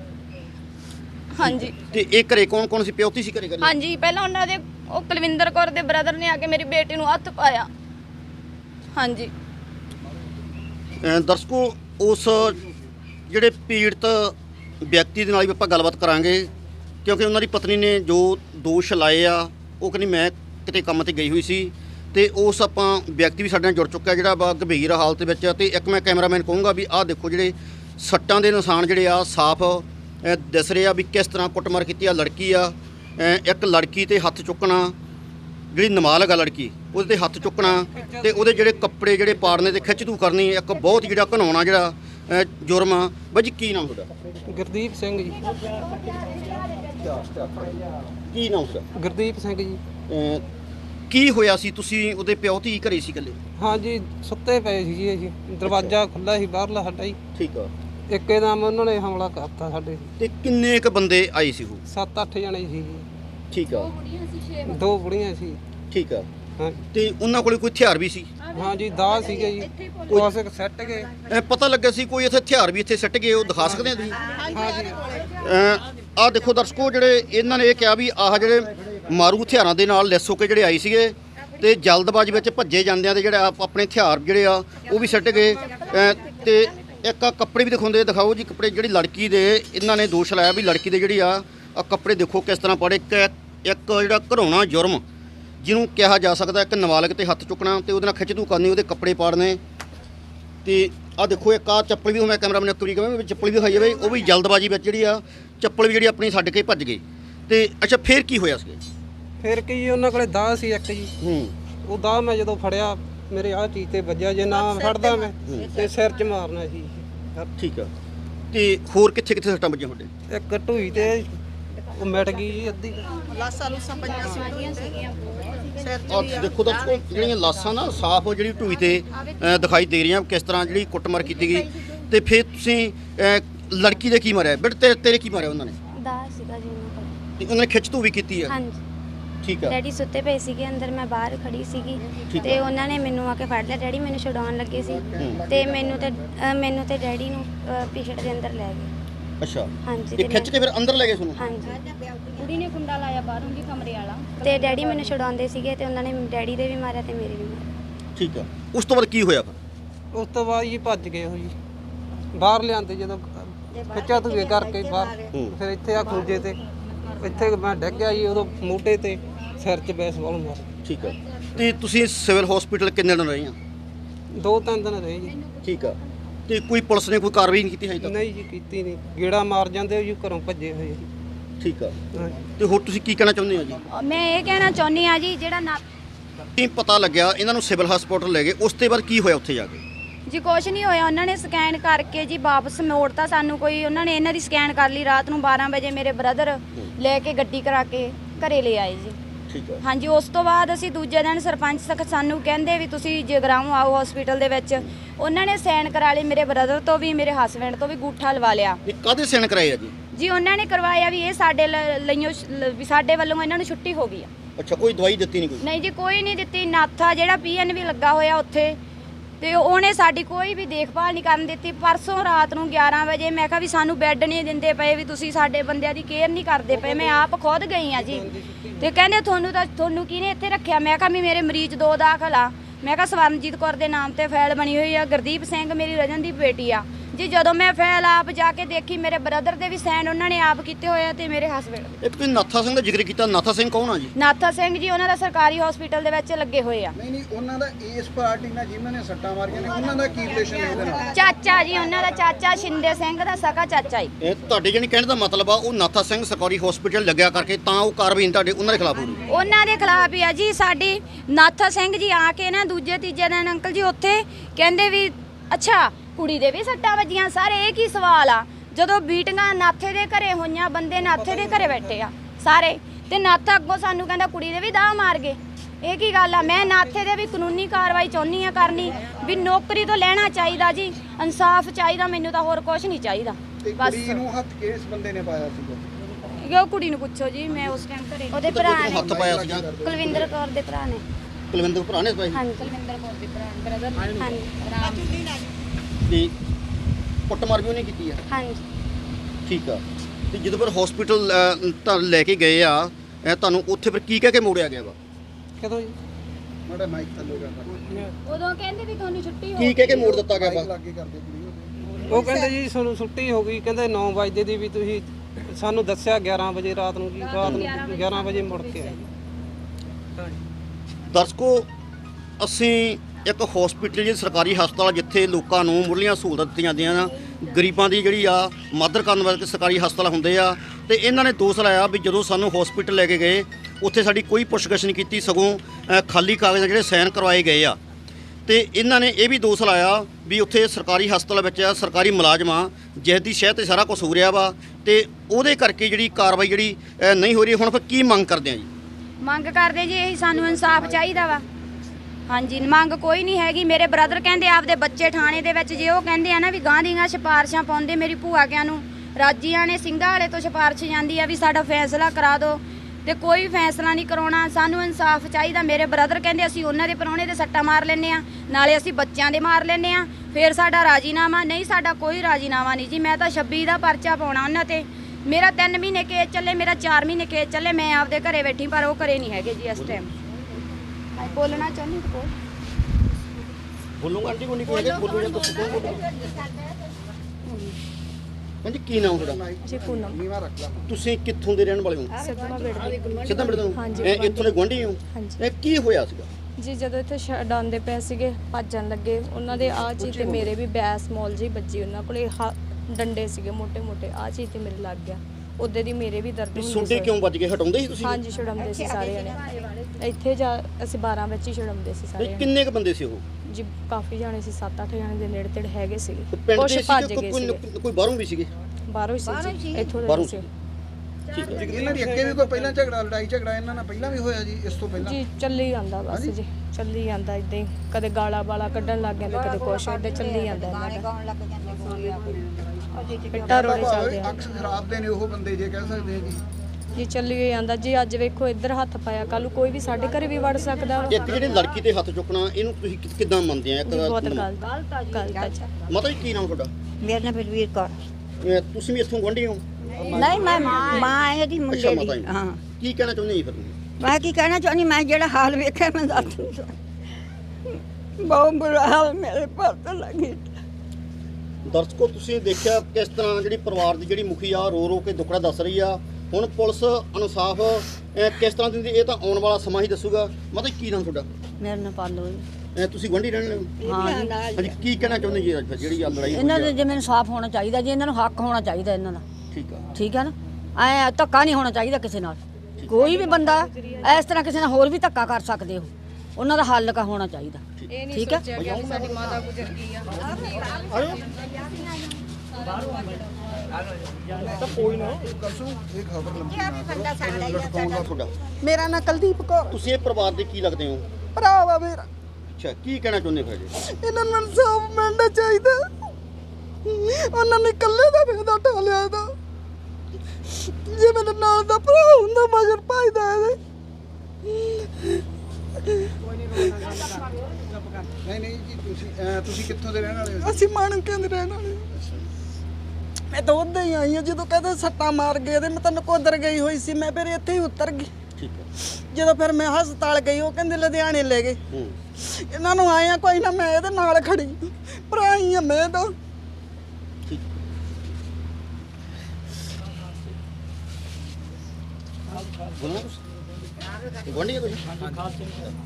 [SPEAKER 2] ਹਾਂਜੀ
[SPEAKER 1] ਤੇ ਇਹ ਘਰੇ ਕੌਣ ਕੌਣ ਸੀ? ਪਿਓਤੀ ਸੀ ਘਰੇ ਘਰੇ?
[SPEAKER 2] ਹਾਂਜੀ ਪਹਿਲਾਂ ਉਹਨਾਂ ਦੇ ਉਹ ਕੁਲਵਿੰਦਰ ਕੌਰ ਦੇ ਬ੍ਰਦਰ ਨੇ ਆ ਕੇ ਮੇਰੀ ਬੇਟੀ ਨੂੰ ਹੱਥ ਪਾਇਆ। ਹਾਂਜੀ
[SPEAKER 1] ਦਰਸ਼ਕੋ ਉਸ ਜਿਹੜੇ ਪੀੜਤ ਵਿਅਕਤੀ ਦੇ ਨਾਲ ਵੀ ਆਪਾਂ ਗੱਲਬਾਤ ਕਰਾਂਗੇ, ਕਿਉਂਕਿ ਉਹਨਾਂ ਦੀ ਪਤਨੀ ਨੇ ਜੋ ਦੋਸ਼ ਲਾਏ ਆ, ਉਹ ਕਹਿੰਦੀ ਮੈਂ ਕਿਤੇ ਕੰਮ ਤੇ ਗਈ ਹੋਈ ਸੀ। ਤੇ ਉਸ ਆਪਾਂ ਵਿਅਕਤੀ ਵੀ ਸਾਡੇ ਨਾਲ ਜੁੜ ਚੁੱਕਾ ਜਿਹੜਾ ਵਾ ਗੰਭੀਰ ਹਾਲਤ ਵਿੱਚ। ਤੇ ਇੱਕ ਮੈਂ ਕੈਮਰਾਮੈਨ ਕਹੂੰਗਾ ਵੀ ਆਹ ਦੇਖੋ ਜਿਹੜੇ ਸੱਟਾਂ ਦੇ ਨਿਸ਼ਾਨ ਜਿਹੜੇ ਆ ਸਾਫ਼ ਦਿਸ ਰਹੇ ਆ ਵੀ ਕਿਸ ਤਰ੍ਹਾਂ ਕੁੱਟਮਾਰ ਕੀਤੀ ਆ। ਲੜਕੀ ਆ, ਇੱਕ ਲੜਕੀ ਤੇ ਹੱਥ ਚੁੱਕਣਾ, ਜਿਹੜੀ ਨਾਬਾਲਗ ਆ ਲੜਕੀ, ਉਹਦੇ ਤੇ ਹੱਥ ਚੁੱਕਣਾ ਤੇ ਉਹਦੇ ਜਿਹੜੇ ਕੱਪੜੇ ਜਿਹੜੇ ਪਾੜਨੇ ਤੇ ਖਿੱਚ ਧੂ ਕਰਨੀ, ਇੱਕ ਬਹੁਤ ਜਿਹੜਾ ਘਿਨਾਉਣਾ ਜਿਹੜਾ ਜੁਰਮ ਆ। ਬਾਈ ਜੀ ਕੀ ਨਾਮ ਤੁਹਾਡਾ?
[SPEAKER 3] ਗੁਰਦੀਪ ਸਿੰਘ ਜੀ।
[SPEAKER 1] ਕੀ ਨਾਮ ਸੀ?
[SPEAKER 3] ਗੁਰਦੀਪ ਸਿੰਘ ਜੀ।
[SPEAKER 1] ਕੀ ਹੋਇਆ ਸੀ? ਤੁਸੀਂ ਉਹਦੇ ਪਿਓ ਧੀ ਘਰੇ ਸੀ ਇਕੱਲੇ?
[SPEAKER 3] ਹਾਂ ਜੀ ਸੁੱਤੇ ਪਏ ਸੀ ਜੀ ਅਸੀਂ, ਦਰਵਾਜ਼ਾ ਖੁੱਲ੍ਹਾ ਸੀ ਬਾਹਰਲਾ ਸਾਡਾ ਜੀ।
[SPEAKER 1] ਠੀਕ ਆ।
[SPEAKER 3] ਇੱਕਦਮ ਉਹਨਾਂ ਨੇ ਹਮਲਾ ਕਰਤਾ ਸਾਡੇ
[SPEAKER 1] ਤੇ ਕਿੰਨੇ ਕ ਬੰਦੇ ਆਏ ਸੀ ਉਹ?
[SPEAKER 3] ਸੱਤ ਅੱਠ ਜਣੇ ਸੀ ਜੀ।
[SPEAKER 1] ਠੀਕ ਆ।
[SPEAKER 3] ਦੋ ਬੁੜੀਆਂ ਸੀ।
[SPEAKER 1] ਠੀਕ ਆ।
[SPEAKER 3] ਹਾਂ
[SPEAKER 1] ਤੇ ਉਹਨਾਂ ਕੋਲੇ ਕੋਈ ਹਥਿਆਰ ਵੀ ਸੀ?
[SPEAKER 3] ਹਾਂ ਜੀ ਦਾਅ ਸੀਗੇ ਜੀ, ਕੁਛ ਸੱਟ ਗਏ।
[SPEAKER 1] ਐ ਪਤਾ ਲੱਗਾ ਸੀ ਕੋਈ ਇੱਥੇ ਹਥਿਆਰ ਵੀ ਇੱਥੇ ਸੱਟ ਗਏ, ਉਹ ਦਿਖਾ ਸਕਦੇ ਆ ਤੁਸੀਂ?
[SPEAKER 3] ਹਾਂ ਜੀ।
[SPEAKER 1] ਆਹ ਦੇਖੋ ਦਰਸ਼ਕੋ, ਜਿਹੜੇ ਇਹਨਾਂ ਨੇ ਇਹ ਕਿਹਾ ਵੀ ਆਹ ਜਿਹੜੇ ਮਾਰੂ ਹਥਿਆਰਾਂ ਦੇ ਨਾਲ ਲੈਸ ਹੋ ਕੇ ਜਿਹੜੇ ਆਏ ਸੀਗੇ ਤੇ ਜਲਦਬਾਜ਼ੀ ਵਿੱਚ ਭੱਜੇ ਜਾਂਦਿਆਂ ਤੇ ਜਿਹੜੇ ਆਪਣੇ ਹਥਿਆਰ ਜਿਹੜੇ ਆ ਉਹ ਵੀ ਸੱਟ ਗਏ। ਤੇ ਇੱਕ ਆਹ ਕੱਪੜੇ ਵੀ ਦਿਖਾਉਂਦੇ ਦਿਖਾਓ ਜੀ ਕੱਪੜੇ ਜਿਹੜੀ ਲੜਕੀ ਦੇ ਇਹਨਾਂ ਨੇ ਦੋਸ਼ ਲਾਇਆ ਵੀ ਲੜਕੀ ਦੇ ਜਿਹੜੀ ਆ ਆਹ ਕੱਪੜੇ ਦੇਖੋ ਕਿਸ ਤਰ੍ਹਾਂ ਪੜੇ ਇੱਕ ਇੱਕ ਜਿਹੜਾ ਘਰਾਉਣਾ ਜੁਰਮ ਜਿਹਨੂੰ ਕਿਹਾ ਜਾ ਸਕਦਾ ਇੱਕ ਨਾਬਾਲਗ ਤੇ ਹੱਥ ਚੁੱਕਣਾ ਤੇ ਉਹਦੇ ਨਾਲ ਖਿੱਚਤੂ ਕਰਨੀ ਉਹਦੇ ਕੱਪੜੇ ਪਾੜਨੇ ਤੇ ਆਹ ਦੇਖੋ ਇੱਕ ਆਹ ਚੱਪਲ ਵੀ ਮੈਂ ਕੈਮਰਾਮੈਨ ਨੂੰ ਕਰੀ ਕਹਾਂ ਵੀ ਚੱਪਲ ਵੀ ਦਿਖਾਈ ਜਾਵੇ ਉਹ ਵੀ ਜਲਦਬਾਜ਼ੀ ਵਿੱਚ ਜਿਹੜੀ ਆ ਚੱਪਲ ਵੀ ਜਿਹੜੀ ਆਪਣੀ ਛੱਡ ਕੇ ਭੱਜ ਗਏ ਤੇ ਅੱਛਾ ਫੇਰ ਕੀ ਹੋਇਆ ਸੀ?
[SPEAKER 3] ਫਿਰ ਕੀ ਉਹਨਾਂ ਕੋਲੇ ਦਾਅ ਸੀ ਇੱਕ ਜੀ,
[SPEAKER 1] ਹੂੰ
[SPEAKER 3] ਉਹ ਦਾਅ ਮੈਂ ਜਦੋਂ ਫੜਿਆ ਮੇਰੇ ਆਹ ਚੀਜ਼ ਤੇ ਵੱਜਿਆ, ਜੇ ਨਾ ਫੜਦਾ ਮੈਂ ਤੇ ਸਿਰ 'ਚ ਮਾਰਨਾ ਸੀ।
[SPEAKER 1] ਠੀਕ ਆ ਤੇ ਹੋਰ ਕਿੱਥੇ ਕਿੱਥੇ ਸੱਟਾਂ ਵੱਜੀਆਂ ਤੁਹਾਡੇ?
[SPEAKER 3] ਇੱਕ ਢੂਈ ਤੇ ਉਹ ਮਿਟ ਗਈ ਜੀ ਅੱਧੀ।
[SPEAKER 4] ਲਾਸਾਂ ਲੂਸਾਂ ਪਈਆਂ ਸੀਗੀਆਂ ਸਿਰ 'ਚ
[SPEAKER 1] ਆਹ
[SPEAKER 4] ਵੀ ਆ।
[SPEAKER 1] ਦੇਖੋ ਤਾਂ ਜਿਹੜੀਆਂ ਲਾਸਾਂ ਨਾ ਸਾਫ਼ ਜਿਹੜੀ ਢੂਈ ਤੇ ਅ, ਦਿਖਾਈ ਦੇ ਰਹੀਆਂ ਕਿਸ ਤਰ੍ਹਾਂ ਜਿਹੜੀ ਕੁੱਟਮਾਰ ਕੀਤੀ ਗਈ ਤੇ ਫਿਰ ਤੁਸੀਂ ਅ, ਲੜਕੀ ਦੇ ਕੀ ਮਾਰਿਆ ਬੇਟੇ ਤੇਰੇ ਤੇਰੇ ਕੀ ਮਾਰਿਆ ਉਹਨਾਂ ਨੇ?
[SPEAKER 2] ਦਾ ਸੀਗਾ ਜੀ ਉਹਨਾਂ ਕੋਲ।
[SPEAKER 1] ਤੇ ਉਹਨਾਂ ਨੇ ਖਿੱਚ ਧੂ ਵੀ ਕੀਤੀ ਆ?
[SPEAKER 2] ਹਾਂਜੀ
[SPEAKER 1] ਠੀਕ ਆ
[SPEAKER 2] ਡੈਡੀ ਸੁੱਤੇ ਪਏ ਸੀਗੇ ਅੰਦਰ, ਮੈਂ ਬਾਹਰ ਖੜੀ ਸੀਗੀ
[SPEAKER 1] ਠੀਕ
[SPEAKER 2] ਤੇ ਉਹਨਾਂ ਨੇ ਮੈਨੂੰ ਆ ਕੇ ਫੜ ਲਿਆ। ਡੈਡੀ ਮੈਨੂੰ ਛਡਾਉਣ ਲੱਗੇ ਸੀ ਤੇ ਮੈਨੂੰ ਤੇ ਅ, ਮੈਨੂੰ ਤੇ ਡੈਡੀ ਨੂੰ ਪੀਛੜ ਦੇ ਅੰਦਰ ਲੈ ਗਏ।
[SPEAKER 1] ਅੱਛਾ
[SPEAKER 2] ਹਾਂਜੀ
[SPEAKER 1] ਤੇ
[SPEAKER 2] ਤੇ
[SPEAKER 1] ਖਿੱਚ ਕੇ ਫਿਰ ਅੰਦਰ ਲੈ ਗਏ ਤੁਹਾਨੂੰ?
[SPEAKER 2] ਹਾਂਜੀ ਕੁੜੀ ਨੇ ਕੁੰਡਾ ਲਾਇਆ ਬਾਹਰੋਂ ਦੀ ਕਮਰੇ ਵਾਲਾ ਤੇ ਡੈਡੀ ਮੈਨੂੰ ਛਡਾਉਂਦੇ ਸੀਗੇ ਤੇ ਉਹਨਾਂ ਨੇ ਡੈਡੀ ਦੇ ਵੀ ਮਾਰਿਆ ਤੇ ਮੇਰੇ ਵੀ ਮਾਰਿਆ।
[SPEAKER 1] ਠੀਕ ਆ ਉਸ ਤੋਂ ਬਾਅਦ ਕੀ ਹੋਇਆ ਫਿਰ?
[SPEAKER 3] ਉਸ ਤੋਂ ਬਾਅਦ ਜੀ ਭੱਜ ਗਏ ਉਹ ਜੀ, ਬਾਹਰ ਲਿਆਂਦੇ ਜਦੋਂ ਖਿੱਚਾ ਧੂਏ ਕਰਕੇ ਬਾਹਰ।
[SPEAKER 1] ਹੂੰ।
[SPEAKER 3] ਫਿਰ ਇੱਥੇ ਆ ਖੂਜੇ ਤੇ ਇੱਥੇ ਮੈਂ ਡਿੱਗ ਗਿਆ ਜੀ, ਉਦੋਂ ਮੋਢੇ ਤੇ ਸਿਰ 'ਚ ਬੈਸਬਾਲ ਮਾਰ।
[SPEAKER 1] ਠੀਕ ਆ ਤੇ ਤੁਸੀਂ ਸਿਵਲ ਹਸਪੀਟਲ ਕਿੰਨੇ ਦਿਨ ਰਹੇ ਆ?
[SPEAKER 3] ਦੋ ਤਿੰਨ ਦਿਨ ਰਹੇ ਜੀ।
[SPEAKER 1] ਠੀਕ ਆ ਤੇ ਕੋਈ ਪੁਲਿਸ ਨੇ ਕੋਈ ਕਾਰਵਾਈ ਨਹੀਂ ਕੀਤੀ ਹਜੇ ਤੱਕ?
[SPEAKER 3] ਨਹੀਂ ਜੀ ਕੀਤੀ ਨਹੀਂ, ਗੇੜਾ ਮਾਰ ਜਾਂਦੇ ਉਹ ਜੀ ਘਰੋਂ ਭੱਜੇ ਹੋਏ ਜੀ।
[SPEAKER 1] ਠੀਕ ਆ
[SPEAKER 3] ਹਾਂਜੀ।
[SPEAKER 1] ਤੇ ਹੋਰ ਤੁਸੀਂ ਕੀ ਕਹਿਣਾ ਚਾਹੁੰਦੇ ਹੋ ਜੀ?
[SPEAKER 2] ਮੈਂ ਇਹ ਕਹਿਣਾ ਚਾਹੁੰਦੀ ਆ ਜੀ ਜਿਹੜਾ ਨਾ
[SPEAKER 1] ਕੀ ਪਤਾ ਲੱਗਿਆ ਇਹਨਾਂ ਨੂੰ ਸਿਵਲ ਹਸਪੀਟਲ ਲੈ ਗਏ ਉਸ ਤੋਂ ਬਾਅਦ ਕੀ ਹੋਇਆ ਉੱਥੇ ਜਾ ਕੇ?
[SPEAKER 2] ਜੀ ਕੁਛ ਨਹੀਂ ਹੋਇਆ, ਉਹਨਾਂ ਨੇ ਸਕੈਨ ਕਰਕੇ ਜੀ ਵਾਪਸ ਮੋੜਤਾ ਸਾਨੂੰ। ਕੋਈ ਉਹਨਾਂ ਨੇ ਇਹਨਾਂ ਦੀ ਸਕੈਨ ਕਰ ਲਈ। ਰਾਤ ਨੂੰ ਬਾਰਾਂ ਵਜੇ ਮੇਰੇ ਬ੍ਰਦਰ ਲੈ ਕੇ ਗੱਡੀ ਕਰਾ ਕੇ ਘਰੇ ਲੈ ਆਏ ਜੀ।
[SPEAKER 1] ਠੀਕ ਆ
[SPEAKER 2] ਹਾਂਜੀ ਉਸ ਤੋਂ ਬਾਅਦ ਅਸੀਂ ਦੂਜੇ ਦਿਨ ਸਰਪੰਚ ਤੱਕ ਸਾਨੂੰ ਕਹਿੰਦੇ ਵੀ ਤੁਸੀਂ ਜਗਰਾਉਂ ਆਓ ਹਸਪੀਟਲ ਦੇ ਵਿੱਚ। ਉਹਨਾਂ ਨੇ ਸਾਈਨ ਕਰਾ ਲਏ ਮੇਰੇ ਬ੍ਰਦਰ ਤੋਂ ਵੀ, ਮੇਰੇ ਹਸਬੈਂਡ ਤੋਂ ਵੀ, ਗੂਠਾ ਲਵਾ ਲਿਆ
[SPEAKER 1] ਇਹ ਕਾਹਦੇ ਸਾਈਨ ਕਰਾਏ ਆ ਜੀ?
[SPEAKER 2] ਜੀ। ਉਹਨਾਂ ਨੇ ਕਰਵਾਇਆ ਵੀ ਇਹ ਸਾਡੇ ਲ- ਲਈਓ ਲ- ਵੀ ਸਾਡੇ ਵੱਲੋਂ ਇਹਨਾਂ ਨੂੰ ਛੁੱਟੀ ਹੋ ਗਈ ਆ।
[SPEAKER 1] ਅੱਛਾ ਕੋਈ ਦਵਾਈ ਦਿੱਤੀ ਨਹੀਂ ਕੋਈ?
[SPEAKER 2] ਨਹੀਂ ਜੀ ਕੋਈ ਨਹੀਂ ਦਿੱਤੀ। ਨਾਥਾ ਜਿਹੜਾ ਪੀਐਨ ਵੀ ਲੱਗਾ ਹੋਇਆ ਉੱਥੇ ਤੇ ਉਹਨੇ ਸਾਡੀ ਕੋਈ ਵੀ ਦੇਖਭਾਲ ਨਹੀਂ ਕਰਨ ਦਿੱਤੀ। ਪਰਸੋਂ ਰਾਤ ਨੂੰ ਗਿਆਰਾਂ ਵਜੇ ਮੈਂ ਕਿਹਾ ਵੀ ਸਾਨੂੰ ਬੈੱਡ ਨਹੀਂ ਦਿੰਦੇ ਪਏ, ਵੀ ਤੁਸੀਂ ਸਾਡੇ ਬੰਦਿਆਂ ਦੀ ਕੇਅਰ ਨਹੀਂ ਕਰਦੇ ਪਏ। ਮੈਂ ਆਪ ਖੁਦ ਗਈ ਆ ਜੀ ਤੇ ਕਹਿੰਦੇ ਤੁਹਾਨੂੰ ਤਾਂ ਤੁਹਾਨੂੰ ਕਿਹਨੇ ਇੱਥੇ ਰੱਖਿਆ? ਮੈਂ ਕਿਹਾ ਵੀ ਮੇਰੇ ਮਰੀਜ਼ ਦੋ ਦਾਖਲ ਆ। ਮੈਂ ਕਿਹਾ ਸਵਰਨਜੀਤ ਕੌਰ ਦੇ ਨਾਮ ਤੇ ਫਾਈਲ ਬਣੀ ਹੋਈ ਆ, ਗੁਰਦੀਪ ਸਿੰਘ ਮੇਰੀ ਰਜਨ ਦੀ ਬੇਟੀ ਆ ਜੀ। ਜਦੋਂ ਮੈਂ ਫਾਈਲ ਆਪ ਜਾ ਕੇ ਦੇਖੀ ਮੇਰੇ ਬ੍ਰਦਰ ਦੇ ਵੀ ਸਾਈਨ ਉਹਨਾਂ ਨੇ ਆਪ ਕੀਤੇ ਹੋਏ ਆ ਤੇ ਮੇਰੇ ਹਸਬੈਂਡ।
[SPEAKER 1] ਇੱਕ ਤੁਸੀਂ ਨਾਥਾ ਸਿੰਘ ਦਾ ਜ਼ਿਕਰ ਕੀਤਾ, ਨਾਥਾ ਸਿੰਘ ਕੌਣ ਆ ਜੀ?
[SPEAKER 2] ਨਾਥਾ ਸਿੰਘ ਜੀ ਉਹਨਾਂ ਦਾ ਸਰਕਾਰੀ ਹਸਪੀਟਲ ਦੇ ਵਿੱਚ ਲੱਗੇ ਹੋਏ ਆ।
[SPEAKER 5] ਨਹੀਂ ਨਹੀਂ ਉਹਨਾਂ ਦਾ ਇਸ ਪਾਰਟੀ ਨਾਲ ਜਿਨ੍ਹਾਂ ਨੇ ਸੱਟਾਂ ਮਾਰੀਆਂ ਨੇ ਉਹਨਾਂ ਦਾ ਕੀ ਰਿਲੇਸ਼ਨ ਹੈ ਇਹਦੇ ਨਾਲ?
[SPEAKER 2] ਚਾਚਾ ਜੀ ਉਹਨਾਂ ਦਾ ਚਾਚਾ ਸ਼ਿੰਦੇ ਸਿੰਘ ਦਾ ਸਕਾ ਚਾਚਾ ਜੀ।
[SPEAKER 1] ਇਹ ਤੁਹਾਡੇ ਜਿਹੜੀ ਕਹਿਣ ਦਾ ਮਤਲਬ ਆ ਉਹ ਨਾਥਾ ਸਿੰਘ ਸਰਕਾਰੀ ਹਸਪੀਟਲ ਲੱਗਿਆ ਕਰਕੇ ਤਾਂ ਉਹ ਕਾਰਵਾਈ ਨਹੀਂ ਤੁਹਾਡੇ ਉਹਨਾਂ ਦੇ ਖਿਲਾਫ ਹੋ ਰਹੀ?
[SPEAKER 2] ਉਹਨਾਂ ਦੇ ਖਿਲਾਫ ਹੀ ਆ ਜੀ। ਸਾਡੀ ਨਾਥਾ ਸਿੰਘ ਜੀ ਆ ਕੇ ਨਾ ਦੂਜੇ ਤੀਜੇ ਦਿਨ ਅੰਕਲ ਜੀ ਉੱਥੇ ਕਹਿੰਦੇ ਵੀ ਅੱਛਾ ਕੁੜੀ ਦੇ ਵੀ ਸੱਟਾਂ ਵੱਜੀਆਂ। ਸਾਰੇ ਇਹ ਕੀ ਸਵਾਲ ਆ? ਜਦੋਂ ਬੀਟੀਆਂ ਨਾਥੇ ਦੇ ਘਰੇ ਹੋਈਆਂ, ਬੰਦੇ ਨਾਥੇ ਦੇ ਘਰੇ ਬੈਠੇ ਆ ਸਾਰੇ, ਤੇ ਨਾਥਾ ਅੱਗੋਂ ਸਾਨੂੰ ਕਹਿੰਦਾ ਕੁੜੀ ਦੇ ਵੀ ਦਾਅ ਮਾਰ ਗਏ। ਇਹ ਕੀ ਗੱਲ ਆ? ਮੈਂ ਨਾਥੇ ਦੇ ਵੀ ਕਾਨੂੰਨੀ ਕਾਰਵਾਈ ਚਾਹੁੰਦੀ ਆ ਕਰਨੀ, ਵੀ ਨੌਕਰੀ ਤੋਂ ਲੈਣਾ ਚਾਹੀਦਾ ਜੀ, ਇਨਸਾਫ ਚਾਹੀਦਾ ਮੈਨੂੰ ਤਾਂ, ਹੋਰ ਕੁਝ ਨਹੀਂ ਚਾਹੀਦਾ
[SPEAKER 5] ਤੇ
[SPEAKER 2] ਬਸ।
[SPEAKER 5] ਕੁੜੀ ਨੂੰ ਹੱਥ ਕਿਸ ਬੰਦੇ ਨੇ ਪਾਇਆ ਸੀਗਾ?
[SPEAKER 2] ਉਹ ਕੁੜੀ ਨੂੰ ਪੁੱਛੋ ਜੀ, ਮੈਂ ਉਸ ਟਾਈਮ ਘਰੇ ਉਹਦੇ ਭਰਾ
[SPEAKER 1] ਉਹਨੂੰ ਹੱਥ
[SPEAKER 2] ਨੇ,
[SPEAKER 1] ਪਾਇਆ ਸੀਗਾ?
[SPEAKER 2] ਕੁਲਵਿੰਦਰ ਕੌਰ ਦੇ ਭਰਾ ਨੇ।
[SPEAKER 1] ਕੁਲਵਿੰਦਰ ਭਰਾ ਨੇ ਪਾਈ?
[SPEAKER 2] ਹਾਂਜੀ ਕੁਲਵਿੰਦਰ ਕੌਰ ਦੇ ਭਰਾ ਬ੍ਰਦਰ। ਹਾਂਜੀ
[SPEAKER 1] ਤੇ ਕੁੱਟਮਾਰ ਵੀ ਉਹਨੇ ਕੀਤੀ ਆ?
[SPEAKER 2] ਹਾਂਜੀ
[SPEAKER 1] ਠੀਕ ਆ ਤੇ ਜਦੋਂ ਫਿਰ ਹਸਪੀਟਲ ਤਾਂ ਲੈ ਕੇ ਗਏ ਆ ਇਹ ਤੁਹਾਨੂੰ ਉੱਥੇ ਫਿਰ ਕੀ ਕਹਿ ਕੇ ਮੋੜਿਆ ਗਿਆ ਵਾ?
[SPEAKER 3] ਕਦੋਂ ਜੀ?
[SPEAKER 5] ਮਾੜਾ ਮਾਈਕ ਥੱਲੇ ਕਰਦਾ,
[SPEAKER 2] ਉਦੋਂ ਕਹਿੰਦੇ ਵੀ ਤੁਹਾਨੂੰ ਛੁੱਟੀ ਹੋ
[SPEAKER 1] ਕੀ ਕਹਿ ਕੇ ਮੋੜ ਦਿੱਤਾ ਗਿਆ ਵਾ?
[SPEAKER 5] ਲਾਗੇ ਕਰਦੇ ਕੁੜੀ
[SPEAKER 3] ਉਹ ਕਹਿੰਦੇ ਜੀ ਸਾਨੂੰ ਛੁੱਟੀ ਹੋ ਗਈ, ਕਹਿੰਦੇ ਨੌ ਵਜੇ ਦੀ ਵੀ ਤੁਸੀਂ ਸਾਨੂੰ ਦੱਸਿਆ ਗਿਆਰਾਂ ਵਜੇ ਰਾਤ ਨੂੰ ਜੀ, ਰਾਤ ਨੂੰ ਗਿਆਰਾਂ ਵਜੇ ਮੁੜ ਕੇ ਆਏ।
[SPEAKER 1] ਦਰਸ਼ਕੋ ਅਸੀਂ ਇੱਕ ਹਸਪੀਟਲ ਜੀ ਸਰਕਾਰੀ ਹਸਪਤਾਲ ਜਿੱਥੇ ਲੋਕਾਂ ਨੂੰ ਮੁੱਢਲੀਆਂ ਸਹੂਲਤਾਂ ਦਿੱਤੀਆਂ ਜਾਂਦੀਆਂ ਨੇ, ਗਰੀਬਾਂ ਦੀ ਜਿਹੜੀ ਆ ਮਦਦ ਕਰਨ ਵਾਸਤੇ ਸਰਕਾਰੀ ਹਸਪਤਾਲ ਹੁੰਦੇ ਆ, ਤੇ ਇਹਨਾਂ ਨੇ ਦੋਸ਼ ਲਾਇਆ ਵੀ ਜਦੋਂ ਸਾਨੂੰ ਹਸਪੀਟਲ ਲੈ ਕੇ ਗਏ ਉੱਥੇ ਸਾਡੀ ਕੋਈ ਪੁੱਛਗਿੱਛ ਨਹੀਂ ਕੀਤੀ, ਸਗੋਂ ਅ, ਖਾਲੀ ਕਾਗਜ਼ ਜਿਹੜੇ ਸਾਈਨ ਕਰਵਾਏ ਗਏ ਆ। ਤੇ ਇਹਨਾਂ ਨੇ ਇਹ ਵੀ ਦੋਸ਼ ਲਾਇਆ ਵੀ ਉੱਥੇ ਸਰਕਾਰੀ ਹਸਪਤਾਲ ਵਿੱਚ ਸਰਕਾਰੀ ਮੁਲਾਜ਼ਮਾਂ ਜਿਸ ਦੀ ਸ਼ਹਿ ਤੇ ਸਾਰਾ ਕੁਝ ਹੋ ਰਿਹਾ ਵਾ, ਤੇ ਉਹਦੇ ਕਰਕੇ ਜਿਹੜੀ ਕਾਰਵਾਈ ਜਿਹੜੀ ਅ, ਨਹੀਂ ਹੋ ਰਹੀ। ਹੁਣ ਫਿਰ ਕੀ ਮੰਗ ਕਰਦੇ ਆ ਜੀ?
[SPEAKER 2] ਮੰਗ ਕਰਦੇ ਜੀ ਇਹੀ ਸਾਨੂੰ ਇਨਸਾਫ ਚਾਹੀਦਾ ਵਾ। ਹਾਂਜੀ ਮੰਗ ਕੋਈ ਨਹੀਂ ਹੈਗੀ। ਮੇਰੇ ਬ੍ਰਦਰ ਕਹਿੰਦੇ ਆਪਦੇ ਬੱਚੇ ਥਾਣੇ ਦੇ ਵਿੱਚ, ਜੇ ਉਹ ਕਹਿੰਦੇ ਆ ਨਾ ਵੀ ਗਾਂ ਦੀਆਂ ਸਿਫਾਰਸ਼ਾਂ ਪਾਉਂਦੇ, ਮੇਰੀ ਭੂਆ ਕਿਆਂ ਨੂੰ ਰਾਜੀਆਂ ਨੇ ਸਿੰਘਾਂ ਵਾਲੇ ਤੋਂ ਸਿਫਾਰਸ਼ ਜਾਂਦੀ ਆ ਵੀ ਸਾਡਾ ਫੈਸਲਾ ਕਰਾ ਦਿਓ, ਤੇ ਕੋਈ ਫੈਸਲਾ ਨਹੀਂ ਕਰਾਉਣਾ। ਸਾਨੂੰ ਇਨਸਾਫ ਚਾਹੀਦਾ। ਮੇਰੇ ਬ੍ਰਦਰ ਕਹਿੰਦੇ ਅਸੀਂ ਉਹਨਾਂ ਦੇ ਪ੍ਰਾਹੁਣੇ ਦੇ ਸੱਟਾਂ ਮਾਰ ਲੈਂਦੇ ਆ, ਨਾਲੇ ਅਸੀਂ ਬੱਚਿਆਂ ਦੇ ਮਾਰ ਲੈਂਦੇ ਆ, ਫਿਰ ਸਾਡਾ ਰਾਜੀਨਾਮਾ ਨਹੀਂ। ਸਾਡਾ ਕੋਈ ਰਾਜੀਨਾਮਾ ਨਹੀਂ ਜੀ। ਮੈਂ ਤਾਂ ਛੱਬੀ ਦਾ ਪਰਚਾ ਪਾਉਣਾ ਉਹਨਾਂ ਤੇ। ਮੇਰਾ ਤਿੰਨ ਮਹੀਨੇ ਕੇਸ ਚੱਲੇ, ਮੇਰਾ ਚਾਰ ਮਹੀਨੇ ਕੇਸ ਚੱਲੇ, ਮੈਂ ਆਪਦੇ ਘਰੇ ਬੈਠੀ, ਪਰ ਉਹ ਘਰੇ ਨਹੀਂ ਹੈਗੇ ਜੀ ਇਸ ਟਾਈਮ। ਬੋਲਣਾ ਚਾਹੁੰਦੀ ਤਾਂ ਬੋਲ।
[SPEAKER 1] ਬੋਲੂਗਾ ਆਂਟੀ ਕੋਈ ਨਹੀਂ ਕੋਈ ਬੋਲੂਗਾ ਤੁਸੀਂ ਕੌਣ ਬੋਲੂਗਾ?
[SPEAKER 6] ਜੀ
[SPEAKER 1] ਹਾਂਜੀ ਕੀ ਨਾਮ ਤੁਹਾਡਾ?
[SPEAKER 6] ਜੀ ਪੂਨਮ
[SPEAKER 5] ਨੀਵਾ ਰੱਖ ਲਾ।
[SPEAKER 1] ਤੁਸੀਂ ਕਿੱਥੋਂ ਦੇ ਰਹਿਣ ਵਾਲੇ ਹੋ?
[SPEAKER 6] ਸਿੱਧਵਾਂ ਬੇੜ
[SPEAKER 1] ਸਿੱਧਾ ਮਿੰਟ ਤੋਂ
[SPEAKER 6] ਹਾਂਜੀ,
[SPEAKER 1] ਇਹ ਇੱਥੋਂ ਦੇ ਗੁਆਂਢੀ ਹੋ?
[SPEAKER 6] ਹਾਂਜੀ।
[SPEAKER 1] ਇਹ ਕੀ ਹੋਇਆ ਸੀਗਾ?
[SPEAKER 6] ਜੀ ਜਦੋਂ ਇੱਥੇ ਛੱਡ ਆਉਂਦੇ ਪਏ ਸੀਗੇ ਭੱਜਣ ਲੱਗੇ ਉਹਨਾਂ ਦੇ ਆਹ ਚੀਜ਼ ਤੇ ਮੇਰੇ ਵੀ ਬੈਸ ਮੌਲ ਜੀ ਵੱਜੀ ਉਹਨਾਂ ਕੋਲੇ ਹ- ਡੰਡੇ ਸੀਗੇ ਮੋٹے ਮੋٹے ਆਹ ਚੀਜ਼ ਤੇ ਮੇਰੇ ਲੱਗ ਗਿਆ ਉਹਦੇ ਦੀ ਮੇਰੇ ਵੀ ਦਰਦ ਹੁੰਦੀ
[SPEAKER 1] ਸੁੰਡੇ
[SPEAKER 6] ਸੀ
[SPEAKER 1] ਕਿਉਂ ਵੱਜ ਗਏ? ਹਟਾਉਂਦੇ ਸੀ ਤੁਸੀਂ?
[SPEAKER 6] ਹਾਂਜੀ ਛੁਡਾਉਂਦੇ ਸੀ ਸਾਰੇ ਜਣੇ ਇੱਥੇ ਜਾ ਅਸੀਂ ਬਾਰਾਂ ਵਿੱਚ ਹੀ ਛੁਡਾਉਂਦੇ ਸੀ ਸਾਰੇ
[SPEAKER 1] ਨਹੀਂ,
[SPEAKER 6] ਜਣੇ
[SPEAKER 1] ਕਿੰਨੇ ਕ ਬੰਦੇ ਸੀ ਉਹ?
[SPEAKER 6] ਜੀ ਕਾਫੀ ਜਾਣੇ ਸੀ ਸੱਤ ਅੱਠ ਜਾਣੇ ਦੇ ਨੇੜੇ ਤੇੜੇ ਹੈਗੇ ਸੀਗੇ
[SPEAKER 1] ਤੇ ਪਿੰਡ
[SPEAKER 6] ਕੁਛ
[SPEAKER 1] ਦੇ
[SPEAKER 6] ਭੱਜ
[SPEAKER 1] ਸੀ
[SPEAKER 6] ਗਏ ਸੀਗੇ
[SPEAKER 1] ਕੋਈ ਕੋਈ ਬਾਹਰੋਂ ਵੀ ਸੀਗੇ?
[SPEAKER 6] ਬਾਹਰੋਂ ਹੀ ਸੀ ਜੀ ਇੱਥੋਂ ਦੇ
[SPEAKER 1] ਬਾਹਰੋਂ
[SPEAKER 6] ਸੀ
[SPEAKER 1] ਠੀਕ ਹੈ।
[SPEAKER 5] ਇਹਨਾਂ ਦੀ ਅੱਗੇ ਵੀ ਕੋਈ ਪਹਿਲਾਂ ਝਗੜਾ ਲੜਾਈ ਝਗੜਾ ਇਹਨਾਂ ਨਾਲ ਪਹਿਲਾਂ ਵੀ ਹੋਇਆ ਜੀ ਇਸ ਤੋਂ ਪਹਿਲਾਂ?
[SPEAKER 6] ਜੀ ਚੱਲੀ ਜਾਂਦਾ ਬਸ ਜੀ ਚੱਲੀ ਜਾਂਦਾ ਇਦਾਂ ਹੀ ਕਦੇ ਗਾਲਾਂ ਵਾਲਾ ਕੱਢਣ ਲੱਗ ਜਾਂਦੇ ਕਦੇ ਕੁਛ ਇਦਾਂ ਚੱਲੀ ਜਾਂਦਾ ਇਹਨਾਂ ਦਾ ਪਿੱਟਾ ਰੋੜੇ ਚੱਲਦੇ ਆ
[SPEAKER 5] ਅਕਸ ਖਰਾਬ ਦੇ ਨੇ ਉਹ ਬੰਦੇ ਜੇ ਕਹਿ ਸਕਦੇ ਆ ਜੀ।
[SPEAKER 6] ਜੀ ਚੱਲੀ ਜਾਂਦਾ ਜੀ ਅੱਜ ਵੇਖੋ ਇੱਧਰ ਹੱਥ ਪਾਇਆ ਕੱਲ ਨੂੰ ਕੋਈ ਵੀ ਸਾਡੇ ਘਰੇ ਵੀ ਵੜ ਸਕਦਾ ਵਾ
[SPEAKER 1] ਇੱਕ ਜਿਹੜੀ ਲੜਕੀ ਤੇ ਹੱਥ ਚੁੱਕਣਾ ਇਹਨੂੰ ਤੁਸੀਂ ਕਿ- ਕਿੱਦਾਂ ਮੰਨਦੇ ਆ?
[SPEAKER 6] ਜੀ ਬਹੁਤ
[SPEAKER 1] ਇੱਕ
[SPEAKER 6] ਗਲਤ ਗਲਤ ਹੈ ਜੀ
[SPEAKER 1] ਮਾਤਾ ਜੀ ਕੀ ਨਾਮ ਤੁਹਾਡਾ?
[SPEAKER 7] ਮੇਰਾ ਨਾਮ ਬਲਵੀਰ ਕੌਰ।
[SPEAKER 1] ਇਹ ਤੁਸੀਂ ਵੀ ਇੱਥੋਂ ਗੁਆਂਢੀ ਹੋ?
[SPEAKER 7] ਨਹੀਂ ਮੈਂ ਮਾਂ ਇਹਦੀ
[SPEAKER 1] ਅੱਛਾ
[SPEAKER 7] ਮੁੰਡੇ
[SPEAKER 1] ਮਾਤਾ
[SPEAKER 7] ਦੀ
[SPEAKER 1] ਜੀ
[SPEAKER 7] ਹਾਂ।
[SPEAKER 1] ਕੀ ਕਹਿਣਾ ਚਾਹੁੰਦੇ ਜੀ ਫਿਰ ਤੁਸੀਂ?
[SPEAKER 7] ਮੈਂ ਕੀ ਕਹਿਣਾ ਚਾਹੁੰਦੀ ਮੈਂ ਜਿਹੜਾ ਹਾਲ ਵੇਖਿਆ ਮੈਂ ਦੱਸ ਨਹੀਂ ਸਕਦੀ। ਬਹੁਤ ਬੁਰਾ ਹਾਲ ਮੇਰੇ ਪੁੱਤ ਲੱਗੀ।
[SPEAKER 1] ਦਰਸ਼ਕੋ ਤੁਸੀਂ ਦੇਖਿਆ ਕਿਸ ਤਰ੍ਹਾਂ ਜਿਹੜੀ ਪਰਿਵਾਰ ਦੀ ਜਿਹੜੀ ਮੁਖੀ ਆ ਰੋ ਰੋ ਕੇ ਦੁੱਖੜਾ ਦੱਸ ਰਹੀ ਆ। ਹੁਣ ਪੁਲਿਸ ਇਨਸਾਫ ਅਹ, ਕਿਸ ਤਰ੍ਹਾਂ ਦਿੰਦੀ ਇਹ ਤਾਂ ਆਉਣ ਵਾਲਾ ਸਮਾਂ ਹੀ ਦੱਸੂਗਾ। ਮਤਲਬ ਕੀ ਨਾਮ ਤੁਹਾਡਾ?
[SPEAKER 7] ਮੇਰੇ ਨਾਲ ਪਾਲੋ
[SPEAKER 1] ਅਹ, ਤੁਸੀਂ ਗੁਆਂਢੀ ਰਹਿਣ ਵਾਲੇ ਹੋ?
[SPEAKER 7] ਹਾਂ ਜੀ।
[SPEAKER 1] ਹਾਂਜੀ ਕੀ ਕਹਿਣਾ ਚਾਹੁੰਦੇ ਜੀ ਅੱਜ ਫਿਰ ਜਿਹੜੀ ਆ ਲੜਾਈ ਹੋਈ
[SPEAKER 7] ਇਹਨਾਂ ਦੇ
[SPEAKER 1] ਆ?
[SPEAKER 7] ਜਿਵੇਂ ਇਨਸਾਫ ਹੋਣਾ ਚਾਹੀਦਾ ਜੀ ਇਹਨਾਂ ਨੂੰ ਹੱਕ ਹੋਣਾ ਚਾਹੀਦਾ ਇਹਨਾਂ ਦਾ
[SPEAKER 1] ਠੀਕ ਆ
[SPEAKER 7] ਠੀਕ ਹੈ ਨਾ ਐ ਧੱਕਾ ਨਹੀਂ ਹੋਣਾ ਚਾਹੀਦਾ ਕਿਸੇ ਨਾਲ ਕੋਈ ਵੀ ਬੰਦਾ ਇਸ ਤਰ੍ਹਾਂ ਕਿਸੇ ਨਾਲ ਹੋਰ ਵੀ ਧੱਕਾ ਕਰ ਸਕਦੇ ਹੋ ਉਹਨਾਂ ਦਾ ਹੱਲ ਕਾ ਹੋਣਾ ਚਾਹੀਦਾ ਠੀਕ ਹੈ।
[SPEAKER 6] ਸਾਡੀ ਮਾਤਾ ਗੁਜ਼ਰ ਗਈ ਆ
[SPEAKER 1] ਤਾਂ ਕੋਈ ਨਾ
[SPEAKER 5] ਕਸੂ ਇਹ ਖਬਰ ਲੰਬੀ ਨਾ ਕਰੋ।
[SPEAKER 1] ਲਟਕਾਉਣ ਦਾ ਤੁਹਾਡਾ
[SPEAKER 8] ਮੇਰਾ ਨਾਂ ਕੁਲਦੀਪ ਕੌਰ
[SPEAKER 1] ਤੁਸੀਂ ਇਹ ਪਰਿਵਾਰ ਦੇ ਕੀ ਲੱਗਦੇ ਹੋ?
[SPEAKER 8] ਭਰਾ ਵਾ ਮੇਰਾ
[SPEAKER 1] ਅੱਛਾ ਕੀ ਕਹਿਣਾ ਚਾਹੁੰਦੇ ਫਿਰ ਜੀ?
[SPEAKER 8] ਇਹਨਾਂ ਨੂੰ ਇਨਸਾਫ ਮਿਲਣਾ ਚਾਹੀਦਾ ਉਹਨਾਂ ਨੇ ਇਕੱਲੇ ਦਾ ਫਾਇਦਾ ਉਠਾ ਲਿਆ ਦਾ ਜੇ ਮੇਰੇ ਨਾਲ ਦਾ ਭਰਾ ਹੁੰਦਾ ਮਗਰ ਭਾਈਦਾ ਇਹਦੇ
[SPEAKER 5] ਨਹੀਂ ਨਹੀਂ ਜੀ ਤੁਸੀਂ ਅਹ, ਤੁਸੀਂ ਕਿੱਥੋਂ ਦੇ ਰਹਿਣ ਵਾਲੇ ਹੋ?
[SPEAKER 8] ਅਸੀਂ ਮਾਣੂ ਕਹਿੰਦੇ ਰਹਿਣ ਵਾਲੇ ਮੈਂ ਤਾਂ ਉਦਾਂ ਹੀ ਆਈ ਹਾਂ ਜਦੋਂ ਕਹਿੰਦੇ ਸੱਟਾਂ ਮਾਰ ਗਏ ਤੇ ਮੈਂ ਤਾਂ ਨਕੋਦਰ ਗਈ ਹੋਈ ਸੀ ਮੈਂ ਫਿਰ ਇੱਥੇ ਹੀ ਉਤਰ ਗਈ
[SPEAKER 1] ਠੀਕ ਹੈ।
[SPEAKER 8] ਜਦੋਂ ਫਿਰ ਮੈਂ ਹਸਪਤਾਲ ਗਈ ਉਹ ਕਹਿੰਦੇ ਲੁਧਿਆਣੇ ਲੈ ਗਏ
[SPEAKER 1] ਹੂੰ
[SPEAKER 8] ਇਹਨਾਂ ਨੂੰ ਆਇਆ ਕੋਈ ਨਾ ਮੈਂ ਇਹਦੇ ਨਾਲ ਖੜੀ ਭਰਾ ਹੀ ਆ ਮੈਂ ਤਾਂ
[SPEAKER 1] ਠੀਕ ਬੋਲਣਾ ਤੁਸੀਂ ਗੁਆਂਢੀ ਆ ਤੁਸੀਂ?